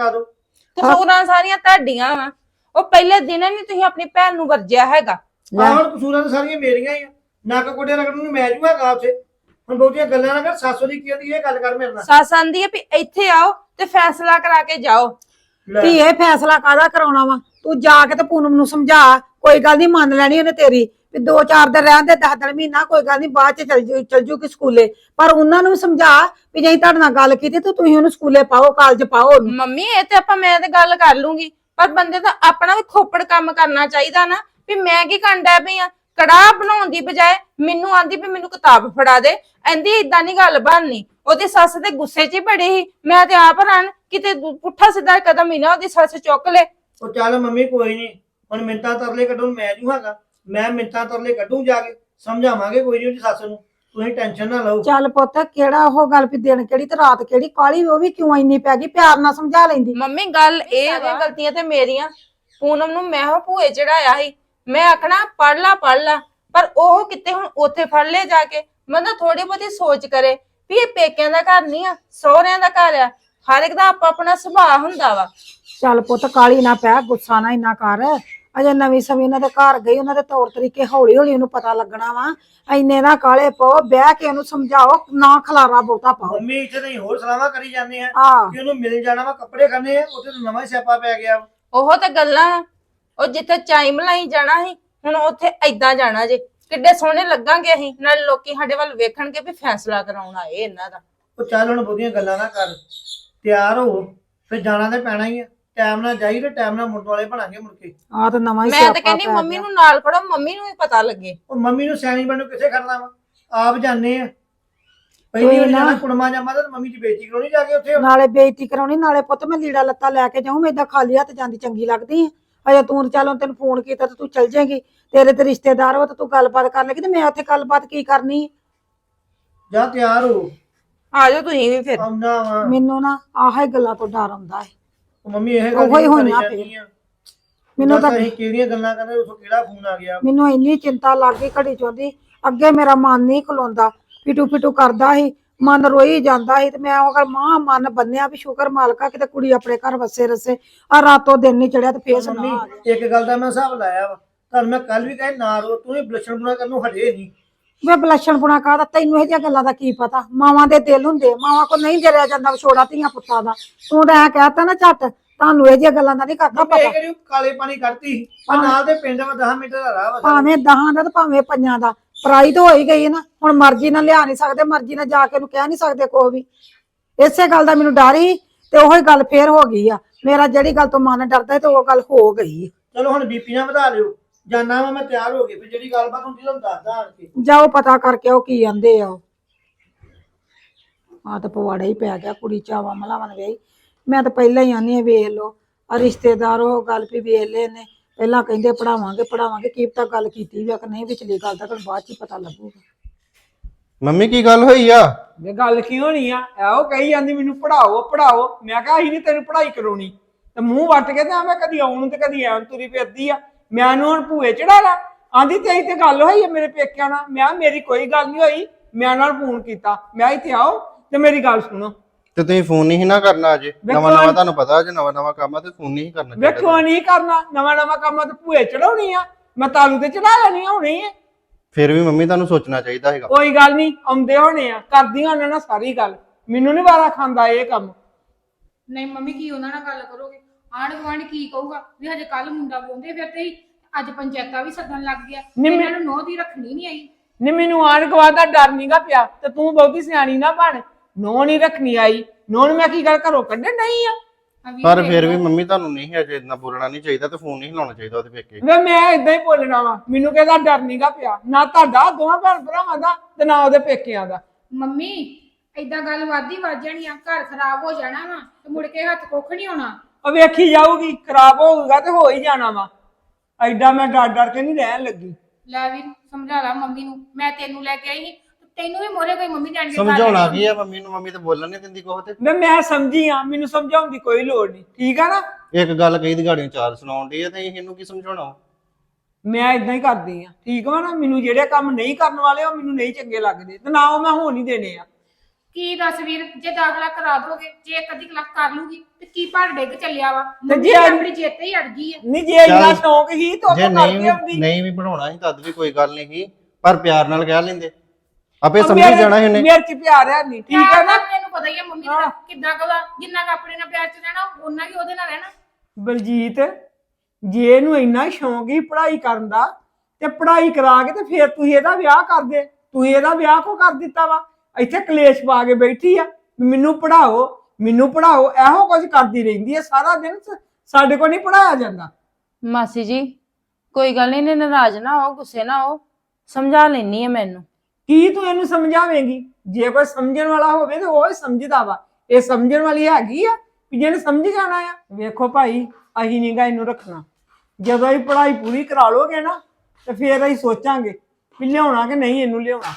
S5: ਕਸੂਰਾਂ ਸਾਰੀਆਂ ਤੁਹਾਡੀਆਂ ਵਾ। ਉਹ ਪਹਿਲੇ ਦਿਨ ਨਹੀਂ ਤੁਸੀਂ ਆਪਣੀ ਭੈਣ ਨੂੰ ਵਰਜਿਆ ਹੈਗਾ।
S7: ਆਹ ਹੁਣ ਕਸੂਰਾਂ ਤਾਂ ਸਾਰੀਆਂ ਮੇਰੀਆਂ ਹੀ ਆ। ਨੱਕ ਕੋਟੇ ਰਗੜਨ ਨੂੰ ਮੈਂ ਜੂਗਾ ਗਾ ਉੱਥੇ। ਹੁਣ ਬਹੁਤੀਆਂ ਗੱਲਾਂ ਨਾ ਕਰ, ਸੱਸ ਦੀ ਕੀ ਕਹਿੰਦੀ ਇਹ ਗੱਲ ਕਰ ਮੇਰੇ ਨਾਲ।
S5: ਸੱਸ ਆਂਦੀ ਹੈ ਵੀ ਇੱਥੇ ਆਓ ਤੇ ਫੈਸਲਾ ਕਰਾ ਕੇ ਜਾਓ।
S7: ਲੈ,
S6: ਧੀ ਇਹ ਫੈਸਲਾ ਕਾਹਦਾ ਕਰਾਉਣਾ ਵਾ? ਤੂੰ ਜਾ ਕੇ ਤੇ ਪੂਨਮ ਨੂੰ ਸਮਝਾ, ਕੋਈ ਗੱਲ ਨਹੀਂ ਮੰਨ ਲੈਣੀ ਉਹਨੇ ਤੇਰੀ ਵੀ 2-4 ਦਿਨ ਰਹਿਣ ਦੇ, 10 ਦਿਨ ਮਹੀਨਾ ਕੋਈ ਗੱਲ ਨਹੀਂ, ਬਾਅਦ ਚ ਚਲ ਜੂਗੀ ਸਕੂਲੇ। ਪਰ ਉਹਨਾਂ ਨੂੰ ਵੀ ਸਮਝਾ ਵੀ ਜੇ ਤੁਹਾਡੇ ਨਾਲ ਗੱਲ ਕੀਤੀ ਤੇ ਤੁਸੀਂ ਉਹਨੂੰ ਸਕੂਲੇ ਪਾਓ, ਕਾਲਜ ਪਾਓ ਉਹਨੂੰ।
S5: ਮੰਮੀ ਇਹ ਤੇ ਮੈਂ ਤੇ ਗੱਲ ਕਰ ਲੂੰਗੀ, ਪਰ ਬੰਦੇ ਦਾ ਆਪਣਾ ਵੀ ਖੋਪੜ ਕੰਮ ਕਰਨਾ ਚਾਹੀਦਾ ਨਾ ਵੀ ਮੈਂ ਕੀ ਕਰਦਾ ਪਈ ਆ। ਕੜਾਹ ਬਣਾਉਣ ਦੀ ਬਜਾਏ ਮੈਨੂੰ ਆਂਦੀ ਵੀ ਮੈਨੂੰ ਕਿਤਾਬ ਫੜਾ ਦੇ। ਕਹਿੰਦੀ ਏਦਾਂ ਨਹੀਂ ਗੱਲ ਬਣਨੀ। ਉਹਦੀ ਸੱਸ ਤੇ ਗੁੱਸੇ 'ਚ ਹੀ ਬੜੀ ਸੀ। ਮੈਂ ਤੇ ਆਪ ਹੈਰਾਨ, ਕਿਤੇ ਪੁੱਠਾ ਸਿੱਧਾ ਕਦਮ ਹੀ ਨਾ ਉਹਦੀ ਸੱਸ ਚੁੱਕ ਲੈ।
S7: ਉਹ ਚੱਲ ਮੰਮੀ ਕੋਈ ਨਹੀਂ, ਹੁਣ ਮਿੰਤਾਂ ਤਰਲੇ ਕੱਢਣ ਮੈਂ ਜੂ ਹੈਗਾ। ਮੈਂ ਮਿੰਤਾਂ ਤਰਲੇ ਕੱਢੂ, ਜਾ ਕੇ ਸਮਝਾਵਾਂਗੇ ਕੋਈ ਨਹੀਂ ਉਹਦੀ ਸੱਸ ਨੂੰ। ਤੁਸੀਂ ਟੈਨਸ਼ਨ ਨਾ ਲਓ।
S6: ਚੱਲ ਪੁੱਤ, ਕਿਹੜਾ ਉਹ ਗੱਲ ਵੀ ਦਿਨ ਕਿਹੜੀ ਤੇ ਰਾਤ ਕਿਹੜੀ, ਕਾਲੀ ਉਹ ਵੀ ਕਿਉਂ ਇੰਨੀ ਪੈ ਗਈ? ਪਿਆਰ ਨਾਲ ਸਮਝਾ ਲੈਂਦੀ।
S5: ਮੰਮੀ ਗੱਲ ਇਹ ਵਾ, ਗਲਤੀਆਂ ਤੇ ਮੇਰੀਆਂ। ਪੂਨਮ ਨੂੰ ਮੈਂ ਉਹ ਭੂਏ ਚੜਾਇਆ ਸੀ, ਮੈਂ ਆਖਣਾ ਪੜ ਲਾ, ਪਰ ਉਹ ਕਿਤੇ ਹੁਣ ਉੱਥੇ ਫੜ ਲਿਆ ਜਾ ਕੇ। ਬੰਦਾ ਥੋੜੀ ਬਹੁਤੀ ਸੋਚ ਕਰੇ ਵੀ ਇਹ ਪੇਕਿਆਂ ਦਾ ਘਰ ਨਹੀਂ ਆ, ਸਹੁਰਿਆਂ ਦਾ ਘਰ ਆ। ਹਰ ਇੱਕ ਦਾ ਆਪਣਾ ਸੁਭਾਅ ਹੁੰਦਾ ਵਾ।
S6: ਚੱਲ ਪੁੱਤ ਕਾਲੀ ਨਾ ਪੈ, ਗੁੱਸਾ ਨਾ ਇੰਨਾ ਕਰ। ਅਜੇ ਨਵੀਂ ਸਮੇਂ ਇਹਨਾਂ ਦੇ ਘਰ ਗਈ, ਉਹਨਾਂ ਦੇ ਤੌਰ ਤਰੀਕੇ ਹੌਲੀ ਹੌਲੀ ਉਹਨੂੰ ਪਤਾ ਲੱਗਣਾ ਵਾ। ਇੰਨੇ ਨਾ ਕਾਲੇ ਪਾਓ, ਬਹਿ ਕੇ ਉਹਨੂੰ ਸਮਝਾਓ, ਨਾ ਖਲਾਰਾ ਬਹੁਤਾ ਪਾਓ।
S7: ਮੰਮੀ ਇੱਥੇ ਨਹੀਂ ਹੋਰ ਸਲਾਹਾਂ ਕਰੀ ਜਾਂਦੇ ਆ
S6: ਆਹ
S7: ਕਿ ਉਹਨੂੰ ਮਿਲ ਜਾਣਾ ਵਾ, ਕੱਪੜੇ ਖੰਨੇ ਆ, ਉੱਥੇ ਤਾਂ ਨਵਾਂ ਹੀ ਸਿਆਪਾ ਪੈ ਗਿਆ।
S5: ਉਹ ਤੇ ਗੱਲਾਂ, ਉਹ ਜਿੱਥੇ ਚਾਈ ਮਲਾਈ ਜਾਣਾ ਸੀ, ਹੁਣ ਉੱਥੇ ਏਦਾਂ ਜਾਣਾ ਜੇ। ਕਿੱਡੇ ਸੋਹਣੇ ਲੱਗਾਂਗੇ ਅਸੀਂ, ਨਾਲ ਲੋਕੀ ਸਾਡੇ ਵੱਲ ਵੇਖਣਗੇ ਵੀ ਫੈਸਲਾ ਕਰਾਉਣ ਆਏ ਇਹਨਾਂ ਦਾ।
S7: ਉਹ ਚੱਲ ਹੁਣ ਬਹੁਤੀਆਂ ਗੱਲਾਂ ਨਾ ਕਰ, ਤਿਆਰ ਹੋ, ਫਿਰ ਜਾਣਾ ਤੇ ਪੈਣਾ ਹੀ ਆ। ਟਾਈਮ ਨਾਲ ਜਾਈ ਤੇ ਟਾਈਮ ਨਾਲ ਮੁੰਡ ਵਾਲੇ ਬਣਾਂਗੇ ਮੁੜ ਕੇ।
S6: ਆ ਤਾਂ ਨਵਾਂ ਹੀ
S5: ਮੈਂ
S6: ਸਿਆਪਾ
S5: ਤਾਂ ਕਹਿੰਦੀ
S6: ਪੈ
S5: ਮੰਮੀ
S6: ਗਿਆ।
S5: ਨੂੰ ਨਾਲ ਖੜੋ, ਮੰਮੀ ਨੂੰ ਵੀ ਪਤਾ ਲੱਗੇ।
S7: ਉਹ ਮੰਮੀ ਨੂੰ ਸਿਆਣੀ ਬਣਨ ਨੂੰ ਕਿੱਥੇ ਖੜਨਾ ਵਾ, ਆਪ ਜਾਣੇ ਆ। ਪਹਿਲੀ ਵਾਰ
S6: ਨਾ।
S7: ਜਾਣਾ ਕੁੜਮਾ ਜਾਮਾ ਤਾਂ ਮੰਮੀ ਦੀ ਬੇਇੱਜ਼ਤੀ ਕਰਾਉਣੀ ਜਾ ਕੇ ਉੱਥੇ।
S6: ਨਾਲੇ ਬੇਇੱਜ਼ਤੀ ਕਰਾਉਣੀ, ਨਾਲੇ ਪੁੱਤ ਮੈਂ ਲੀੜਾ ਲੱਤਾ ਲੈ ਕੇ ਜਾਊਂ, ਮੈਂ ਏਦਾਂ ਖਾਲੀ ਹੱਥ ਜਾਂਦੀ ਚੰਗੀ ਲੱਗਦੀ ਆ। ਅਜੇ ਤੂੰ ਚੱਲ ਤੈਨੂੰ ਫੋਨ ਕੀਤਾ ਤੇ ਤੂੰ ਚੱਲ ਜਾਏਂਗੀ, ਤੇਰੇ ਤੇ ਰਿਸ਼ਤੇਦਾਰ ਵਾ ਤੇ ਤੂੰ ਗੱਲਬਾਤ ਕਰਨ ਲੱਗੀ ਤੇ ਮੈਂ ਉੱਥੇ ਗੱਲਬਾਤ ਕੀ ਕਰਨੀ?
S7: ਜਾ ਤਿਆਰ ਹੋ,
S5: ਆ ਜਾਓ ਤੁਸੀਂ ਵੀ ਫਿਰ।
S7: ਆਉਣਾ ਵਾ।
S6: ਮੈਨੂੰ ਨਾ ਆਹ ਹੀ ਗੱਲਾਂ ਤੋਂ ਡਰ ਆਉਂਦਾ ਹੈ।
S7: ਉਹ ਮੰਮੀ ਇਹ
S6: ਉਹੋ ਹੀ ਹੋਣਾ ਮੈਨੂੰ ਤਾਂ
S7: ਅਸੀਂ ਕਿਹੜੀਆਂ ਗੱਲਾਂ ਕਰਦੇ, ਉਥੋਂ ਕਿਹੜਾ ਫੋਨ ਆ ਗਿਆ।
S6: ਮੈਨੂੰ ਇੰਨੀ ਚਿੰਤਾ ਲੱਗ ਗਈ ਘੜੀ ਚੋਂਦੀ। ਅੱਗੇ ਮੇਰਾ ਮਨ ਨਹੀਂ ਖਲੋਂਦਾ, ਪਿਟੂ ਪਿਟੂ ਕਰਦਾ ਸੀ, ਮਨ ਰੋਈ ਜਾਂਦਾ ਸੀ ਤੇ ਮੈਂ ਉਹ ਗੱਲ ਮਾਂ ਮਨ ਬੰਨਿਆ ਵੀ ਸ਼ੁਕਰ ਮਾਲਕਾ ਕਿਤੇ ਕੁੜੀ ਆਪਣੇ ਘਰ ਵਸੇ ਰਸੇ। ਆ ਰਾਤੋਂ ਦਿਨ ਨਹੀਂ ਚੜਿਆ ਤੇ ਫੇਰ ਸੁਣਾ ਆ ਗਿਆ।
S7: ਮੰਮੀ ਇੱਕ ਗੱਲ ਦਾ ਮੈਂ ਹਿਸਾਬ ਲਾਇਆ ਵਾ, ਤੁਹਾਨੂੰ ਮੈਂ ਕੱਲ ਵੀ ਕਹੇ ਨਾ ਰੋ, ਤੂੰ ਇਹ ਬਲਸ਼ਣ ਬੁਣਾ ਕਰਨ ਨੂੰ ਹਟੇ ਨਹੀਂ।
S6: ਵੇ ਬਲਸ਼ਣ ਪੁਣਾ ਕਾਹਦਾ, ਤੈਨੂੰ ਇਹ ਜਿਹੀਆਂ ਗੱਲਾਂ ਦਾ ਕੀ ਪਤਾ? ਮਾਵਾਂ ਦੇ ਦਿਲ ਹੁੰਦੇ, ਮਾਵਾਂ ਕੋ ਨਹੀਂ ਜਰਿਆ ਜਾਂਦਾ ਵਿਛੋੜਾ ਧੀਆਂ ਪੁੱਤਾਂ ਦਾ। ਤੂੰ ਤਾਂ ਐ ਕਹਿਤਾ ਨਾ ਝੱਟ, ਤੁਹਾਨੂੰ ਇਹ ਜਿਹੀਆਂ ਗੱਲਾਂ ਦਾ ਨਹੀਂ ਕਰਦਾ
S7: ਮੈਂ
S6: ਪਤਾ।
S7: ਕਿਹੜੀ ਕਾਲੇ ਪਾਣੀ ਕੱਢਤੀ ਆ, ਨਾਲ ਦੇ ਪਿੰਡ ਵਾ 10 ਮਿੰਟ ਦਾ ਰਾਹ ਵਾ।
S6: ਭਾਵੇਂ 10 ਦਾ ਤੇ ਭਾਵੇਂ 5 ਦਾ, ਪਰਾਈ ਤਾਂ ਹੋ ਹੀ ਗਈ ਨਾ। ਹੁਣ ਮਰਜ਼ੀ ਨਾਲ ਲਿਆ ਨਹੀਂ ਸਕਦੇ, ਮਰਜ਼ੀ ਨਾਲ ਜਾ ਕੇ ਉਹਨੂੰ ਕਹਿ ਨਹੀਂ ਸਕਦੇ ਕੋਈ ਵੀ। ਇਸੇ ਗੱਲ ਦਾ ਮੈਨੂੰ ਡਰ ਸੀ ਤੇ ਉਹੀ ਗੱਲ ਫੇਰ ਹੋ ਗਈ ਆ। ਮੇਰਾ ਜਿਹੜੀ ਗੱਲ ਤੋਂ ਮਨ ਡਰਦਾ ਤੇ ਉਹ ਗੱਲ ਹੋ ਗਈ।
S7: ਚਲੋ ਹੁਣ ਬੀਪੀ ਨਾ ਵਧਾ ਲਿਓ, ਜਾਨਾ ਵਾ ਮੈਂ ਤਿਆਰ ਹੋ ਗਈ, ਫਿਰ ਜਿਹੜੀ ਗੱਲਬਾਤ ਹੁੰਦੀ ਤੁਹਾਨੂੰ ਦੱਸਦਾ ਆਣ ਕੇ।
S6: ਜਾਓ ਪਤਾ ਕਰਕੇ ਉਹ ਕੀ ਆਂਦੇ ਆ। ਆ ਤਾਂ ਪਵਾੜਾ ਹੀ ਪੈ ਗਿਆ, ਕੁੜੀ ਚਾਵਾਂ ਮਲਾਵਾਂ ਨੇ ਵੇਈ। ਮੈਂ ਤਾਂ ਪਹਿਲਾਂ ਹੀ ਆਨੀ ਆ ਵੇਖ ਲੋ ਆ ਰਿਸ਼ਤੇਦਾਰ ਉਹ ਗੱਲ ਵੀ ਵੇਖ ਲਏ ਨੇ। ਪਹਿਲਾਂ ਕਹਿੰਦੇ ਪੜਾਵਾਂਗੇ ਕੀ ਪਤਾ ਗੱਲ ਕੀਤੀ ਵੀ ਆ ਕਿ ਨਹੀਂ, ਵਿਚਲੀ ਗੱਲ ਦਾ ਤਾਂ ਬਾਅਦ ਚ ਪਤਾ ਲੱਗੂਗਾ।
S4: ਮੰਮੀ ਕੀ ਗੱਲ ਹੋਈ ਆ?
S3: ਇਹ ਗੱਲ ਕੀ ਹੋਣੀ ਆ? ਉਹ ਕਹੀ ਜਾਂਦੀ ਮੈਨੂੰ ਪੜਾਓ ਪੜਾਓ। ਮੈਂ ਕਿਹਾ ਅਸੀਂ ਨਹੀਂ ਤੈਨੂੰ ਪੜਾਈ ਕਰਾਉਣੀ, ਤੇ ਮੂੰਹ ਵੱਟ ਕੇ ਤੇ ਮੈਂ ਕਦੀ ਆਉਣ ਤੇ ਕਦੀ ਐਂ ਤੁਰੀ ਫਿਰਦੀ ਆ। ਮੈਂ ਉਹਨੂੰ ਹੁਣ ਭੂਏ ਚੜਾ ਲਾ। ਆਂਦੀ ਤੇਰੀ ਤੇ ਗੱਲ ਹੋਈ ਆ ਮੇਰੇ ਪੇਕਿਆਂ ਨਾਲ। ਮੈਂ ਮੇਰੀ ਕੋਈ ਗੱਲ ਨਹੀਂ ਹੋਈ, ਮੈਂ ਨਾਲ ਫੋਨ ਕੀਤਾ, ਮੈਂ ਇੱਥੇ ਆਓ ਤੇ ਮੇਰੀ ਗੱਲ ਸੁਣੋ।
S4: ਤੇ ਤੁਸੀਂ ਫੋਨ ਨਹੀਂ ਨਾ ਕਰਨਾ ਅਜੇ? ਨਵਾਂ ਤੁਹਾਨੂੰ ਪਤਾ ਅਜੇ ਨਵਾਂ ਕੰਮ ਆ ਤੇ ਫੋਨ ਨਹੀਂ ਕਰਨਾ।
S3: ਵੇਖੋ ਨਹੀਂ ਕਰਨਾ ਨਵਾਂ ਕੰਮ ਤੇ ਭੂਏ ਚੜਾਉਣੀ ਆ, ਮੈਂ ਤਾਲੂ ਤੇ ਚੜਾ ਲੈਣੀ ਹੋਣੀ ਆ।
S4: ਫਿਰ ਵੀ ਮੰਮੀ ਤੁਹਾਨੂੰ ਸੋਚਣਾ ਚਾਹੀਦਾ ਹੈਗਾ।
S3: ਕੋਈ ਗੱਲ ਨਹੀਂ, ਆਉਂਦੇ ਹੋਣੇ ਆ, ਕਰਦੀਆਂ ਉਹਨਾਂ ਨਾਲ ਸਾਰੀ ਗੱਲ। ਮੈਨੂੰ ਨਹੀਂ ਵਾਰਾ ਖਾਂਦਾ ਇਹ ਕੰਮ।
S1: ਨਹੀਂ ਮੰਮੀ ਕੀ ਉਹਨਾਂ ਨਾਲ ਗੱਲ ਕਰੋਗੇ? ਆਂਢ ਗੁਆਂਢ ਕੀ ਕਹੂਗਾ ਵੀ ਹਜੇ ਕੱਲ ਮੁੰਡਾ ਬੋਲਦੇ ਫਿਰਦੇ ਸੀ, ਅੱਜ ਪੰਚਾਇਤਾਂ ਵੀ ਸੱਦਣ ਲੱਗ ਗਿਆ। ਇਹਨਾਂ ਨੂੰ ਨੋਹ ਦੀ ਰੱਖਣੀ ਨਹੀਂ ਆਈ।
S3: ਨੀ ਮੈਨੂੰ ਆਣ ਗਵਾ ਦਾ ਡਰ ਨਹੀਂਗਾ ਪਿਆ, ਤੇ ਤੂੰ ਬਹੁਤੀ ਸਿਆਣੀ ਨਾ ਬਣ। ਨੋਹ ਨਹੀਂ ਰੱਖਣੀ ਆਈ, ਨੋਹ ਨੂੰ ਮੈਂ ਕੀ ਗੱਲ ਘਰੋਂ ਕੱਢਣ ਨਹੀਂ ਆ।
S4: ਪਰ ਫਿਰ ਵੀ ਮੰਮੀ ਤੁਹਾਨੂੰ ਨਹੀਂ ਅਜੇ ਇੰਨਾ ਬੋਲਣਾ ਨਹੀਂ ਚਾਹੀਦਾ ਤੇ ਫੋਨ ਨਹੀਂ ਲਾਉਣਾ ਚਾਹੀਦਾ ਉਹਦੇ ਪੇਕੇ।
S3: ਵੇ ਮੈਂ ਇਦਾਂ ਹੀ ਬੋਲਣਾ ਵਾ, ਮੈਨੂੰ ਕਿਹਦਾ ਡਰ ਨਹੀਂਗਾ ਪਿਆ, ਨਾ ਤੁਹਾਡਾ ਦੋਵਾਂ ਭੈਣ ਭਰਾਵਾਂ ਦਾ ਤੇ ਨਾ ਉਹਦੇ ਪੇਕਿਆਂ ਦਾ।
S1: ਮੰਮੀ ਏਦਾਂ ਗੱਲ ਵੱਧਦੀ ਵੱਧ ਜਾਣੀ ਆ, ਘਰ ਖਰਾਬ ਹੋ ਜਾਣਾ ਵਾ ਤੇ ਮੁੜ ਕੇ ਹੱਥ ਕੁੱਖ ਨਹੀਂ ਹੋਣਾ।
S3: ਉਹ ਵੇਖੀ ਜਾਊਗੀ, ਖਰਾਬ ਹੋਊਗਾ ਤੇ ਹੋ ਹੀ ਜਾਣਾ ਵਾ। ਐਡਾ ਮੈਂ ਡਰ ਕੇ ਨਹੀਂ ਰਹਿਣ ਲੱਗੀ।
S1: ਲੈ ਵੀਰ ਸਮਝਾ ਲਾ ਮੰਮੀ ਨੂੰ, ਮੈਂ ਤੈਨੂੰ ਲੈ ਕੇ ਆਈ ਸੀ, ਤੈਨੂੰ ਵੀ ਮੋਰੇ ਕੋਈ ਮੰਮੀ ਜਾਣ ਕੇ
S4: ਸਮਝਾਉਣਾ ਕੀ ਆ ਮੰਮੀ ਨੂੰ? ਮੰਮੀ ਤੇ ਬੋਲਣ ਨਹੀਂ ਦਿੰਦੀ ਕੋਹ ਤੇ।
S3: ਮੈਂ ਸਮਝੀ ਆ, ਮੈਨੂੰ ਸਮਝਾਉਣ ਦੀ ਕੋਈ ਲੋੜ ਨਹੀਂ, ਠੀਕ ਆ ਨਾ?
S4: ਇੱਕ ਗੱਲ ਕਹੀ ਦੀ ਗਾੜੀਆਂ ਚਾਰ ਸੁਣਾਉਣ ਦੀ ਆ ਤੇ ਇਹਨੂੰ ਕੀ ਸਮਝਾਉਣਾ?
S3: ਮੈਂ ਇਦਾਂ ਹੀ ਕਰਦੀ ਆ, ਠੀਕ ਵਾ ਨਾ? ਮੈਨੂੰ ਜਿਹੜੇ ਕੰਮ ਨਹੀਂ ਕਰਨ ਵਾਲੇ ਉਹ ਮੈਨੂੰ ਨਹੀਂ ਚੰਗੇ ਲੱਗਦੇ, ਤੇ ਨਾ ਉਹ ਮੈਂ ਹੋਣ ਹੀ ਦੇਣੇ ਆ।
S1: ਕੀ ਦੱਸ ਵੀਰ, ਜੇ ਦਾਖਲਾ ਕਰਾ ਦੋਗੇ, ਜੇ ਇੱਕ ਅੱਧੀ ਕਲਾਸ ਕਰ ਲੂਗੀ ਤੇ ਕੀ ਭੜ ਡਿੱਗ ਚੱਲਿਆ ਵਾ?
S3: ਤੇ
S1: ਮੰਮੀ
S3: ਜੇ
S1: ਆਪਣੀ ਜਿੱਤ ਹੀ ਅੜ ਗਈ ਆ।
S3: ਨਹੀਂ ਜੇ ਇੰਨਾ ਸ਼ੌਂਕ ਹੀ ਤਾਂ ਉਹ
S4: ਜੇ
S3: ਕਰਕੇ ਆਉਂਦੀ।
S4: ਨਹੀਂ ਵੀ ਪੜਾਉਣਾ ਸੀ ਤਦ ਵੀ ਕੋਈ ਗੱਲ ਨਹੀਂ ਸੀ, ਪਰ ਪਿਆਰ ਨਾਲ ਕਹਿ ਲੈਂਦੇ, ਆਪੇ ਸਮਝ ਜਾਣਾ ਸੀ ਉਹਨੇ।
S3: ਮੇਰੇ ਚ ਪਿਆਰ ਹੈ ਨਹੀਂ, ਠੀਕ ਹੈ ਨਾ?
S1: ਤੈਨੂੰ ਪਤਾ ਹੀ ਆ ਮੰਮੀ ਦਾ ਕਿੱਦਾਂ ਕਵਾ, ਜਿੰਨਾ ਕ ਆਪਣੇ ਨਾਲ ਪਿਆਰ ਚ ਰਹਿਣਾ ਉਹਨਾਂ ਵੀ ਉਹਦੇ ਨਾਲ ਰਹਿਣਾ।
S3: ਬਲਜੀਤ, ਜੇ ਇਹਨੂੰ ਇੰਨਾ ਸ਼ੌਂਕ ਹੀ ਪੜ੍ਹਾਈ ਕਰਨ ਦਾ, ਤੇ ਪੜ੍ਹਾਈ ਕਰਾ ਕੇ ਤੇ ਫਿਰ ਤੁਸੀਂ ਇਹਦਾ ਵਿਆਹ ਕਰ ਦੇ। ਤੁਸੀਂ ਇਹਦਾ ਵਿਆਹ ਕੋ ਕਰ ਦਿੱਤਾ ਵਾ? ਇੱਥੇ ਕਲੇਸ਼ ਪਾ ਕੇ ਬੈਠੀ ਆ, ਮੈਨੂੰ ਪੜਾਓ ਮੈਨੂੰ ਪੜਾਓ, ਇਹੋ ਕੁਝ ਕਰਦੀ ਰਹਿੰਦੀ ਹੈ ਸਾਰਾ ਦਿਨ। ਸਾਡੇ ਕੋਲ ਨਹੀਂ ਪੜਾਇਆ ਜਾਂਦਾ।
S5: ਮਾਸੀ ਜੀ ਕੋਈ ਗੱਲ ਨਹੀਂ, ਨਾਰਾਜ਼ ਨਾ ਹੋ, ਗੁੱਸੇ ਨਾ ਹੋ, ਸਮਝਾ ਲੈਣੀ ਆ ਮੈਨੂੰ।
S3: ਕੀ ਤੂੰ ਇਹਨੂੰ ਸਮਝਾਵੇਂਗੀ? ਜੇ ਕੋਈ ਸਮਝਣ ਵਾਲਾ ਹੋਵੇ ਤੇ ਉਹ ਹੀ ਸਮਝਦਾ ਵਾ। ਇਹ ਸਮਝਣ ਵਾਲੀ ਹੈਗੀ ਆ ਵੀ ਜਿਹਨੇ ਸਮਝ ਜਾਣਾ ਆ? ਵੇਖੋ ਭਾਈ, ਅਸੀਂ ਨੀਗਾ ਇਹਨੂੰ ਰੱਖਣਾ। ਜਦੋਂ ਇਹ ਪੜ੍ਹਾਈ ਪੂਰੀ ਕਰਾ ਲੋਗੇ ਨਾ ਤੇ ਫਿਰ ਅਸੀਂ ਸੋਚਾਂਗੇ ਵੀ ਲਿਆਉਣਾ ਕਿ ਨਹੀਂ ਇਹਨੂੰ ਲਿਆਉਣਾ।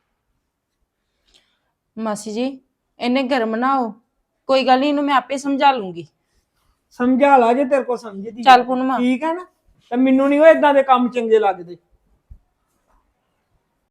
S5: ਮਾਸੀ ਜੀ ਇਹਨੇ ਗਰਮ ਨਾ ਹੋ, ਕੋਈ ਗੱਲ ਨਹੀਂ, ਇਹਨੂੰ ਮੈਂ ਆਪੇ ਸਮਝਾ ਲੂੰਗੀ।
S3: ਸਮਝਾ ਲਾ ਜੇ ਤੇਰੇ ਕੋਲ ਸਮਝਦੀ।
S5: ਚੱਲ ਪੂਨਮ,
S3: ਠੀਕ ਹੈ ਨਾ? ਤੇ ਮੈਨੂੰ ਨਹੀਂ ਉਹ ਇਦਾਂ ਦੇ ਕੰਮ ਚੰਗੇ ਲੱਗਦੇ।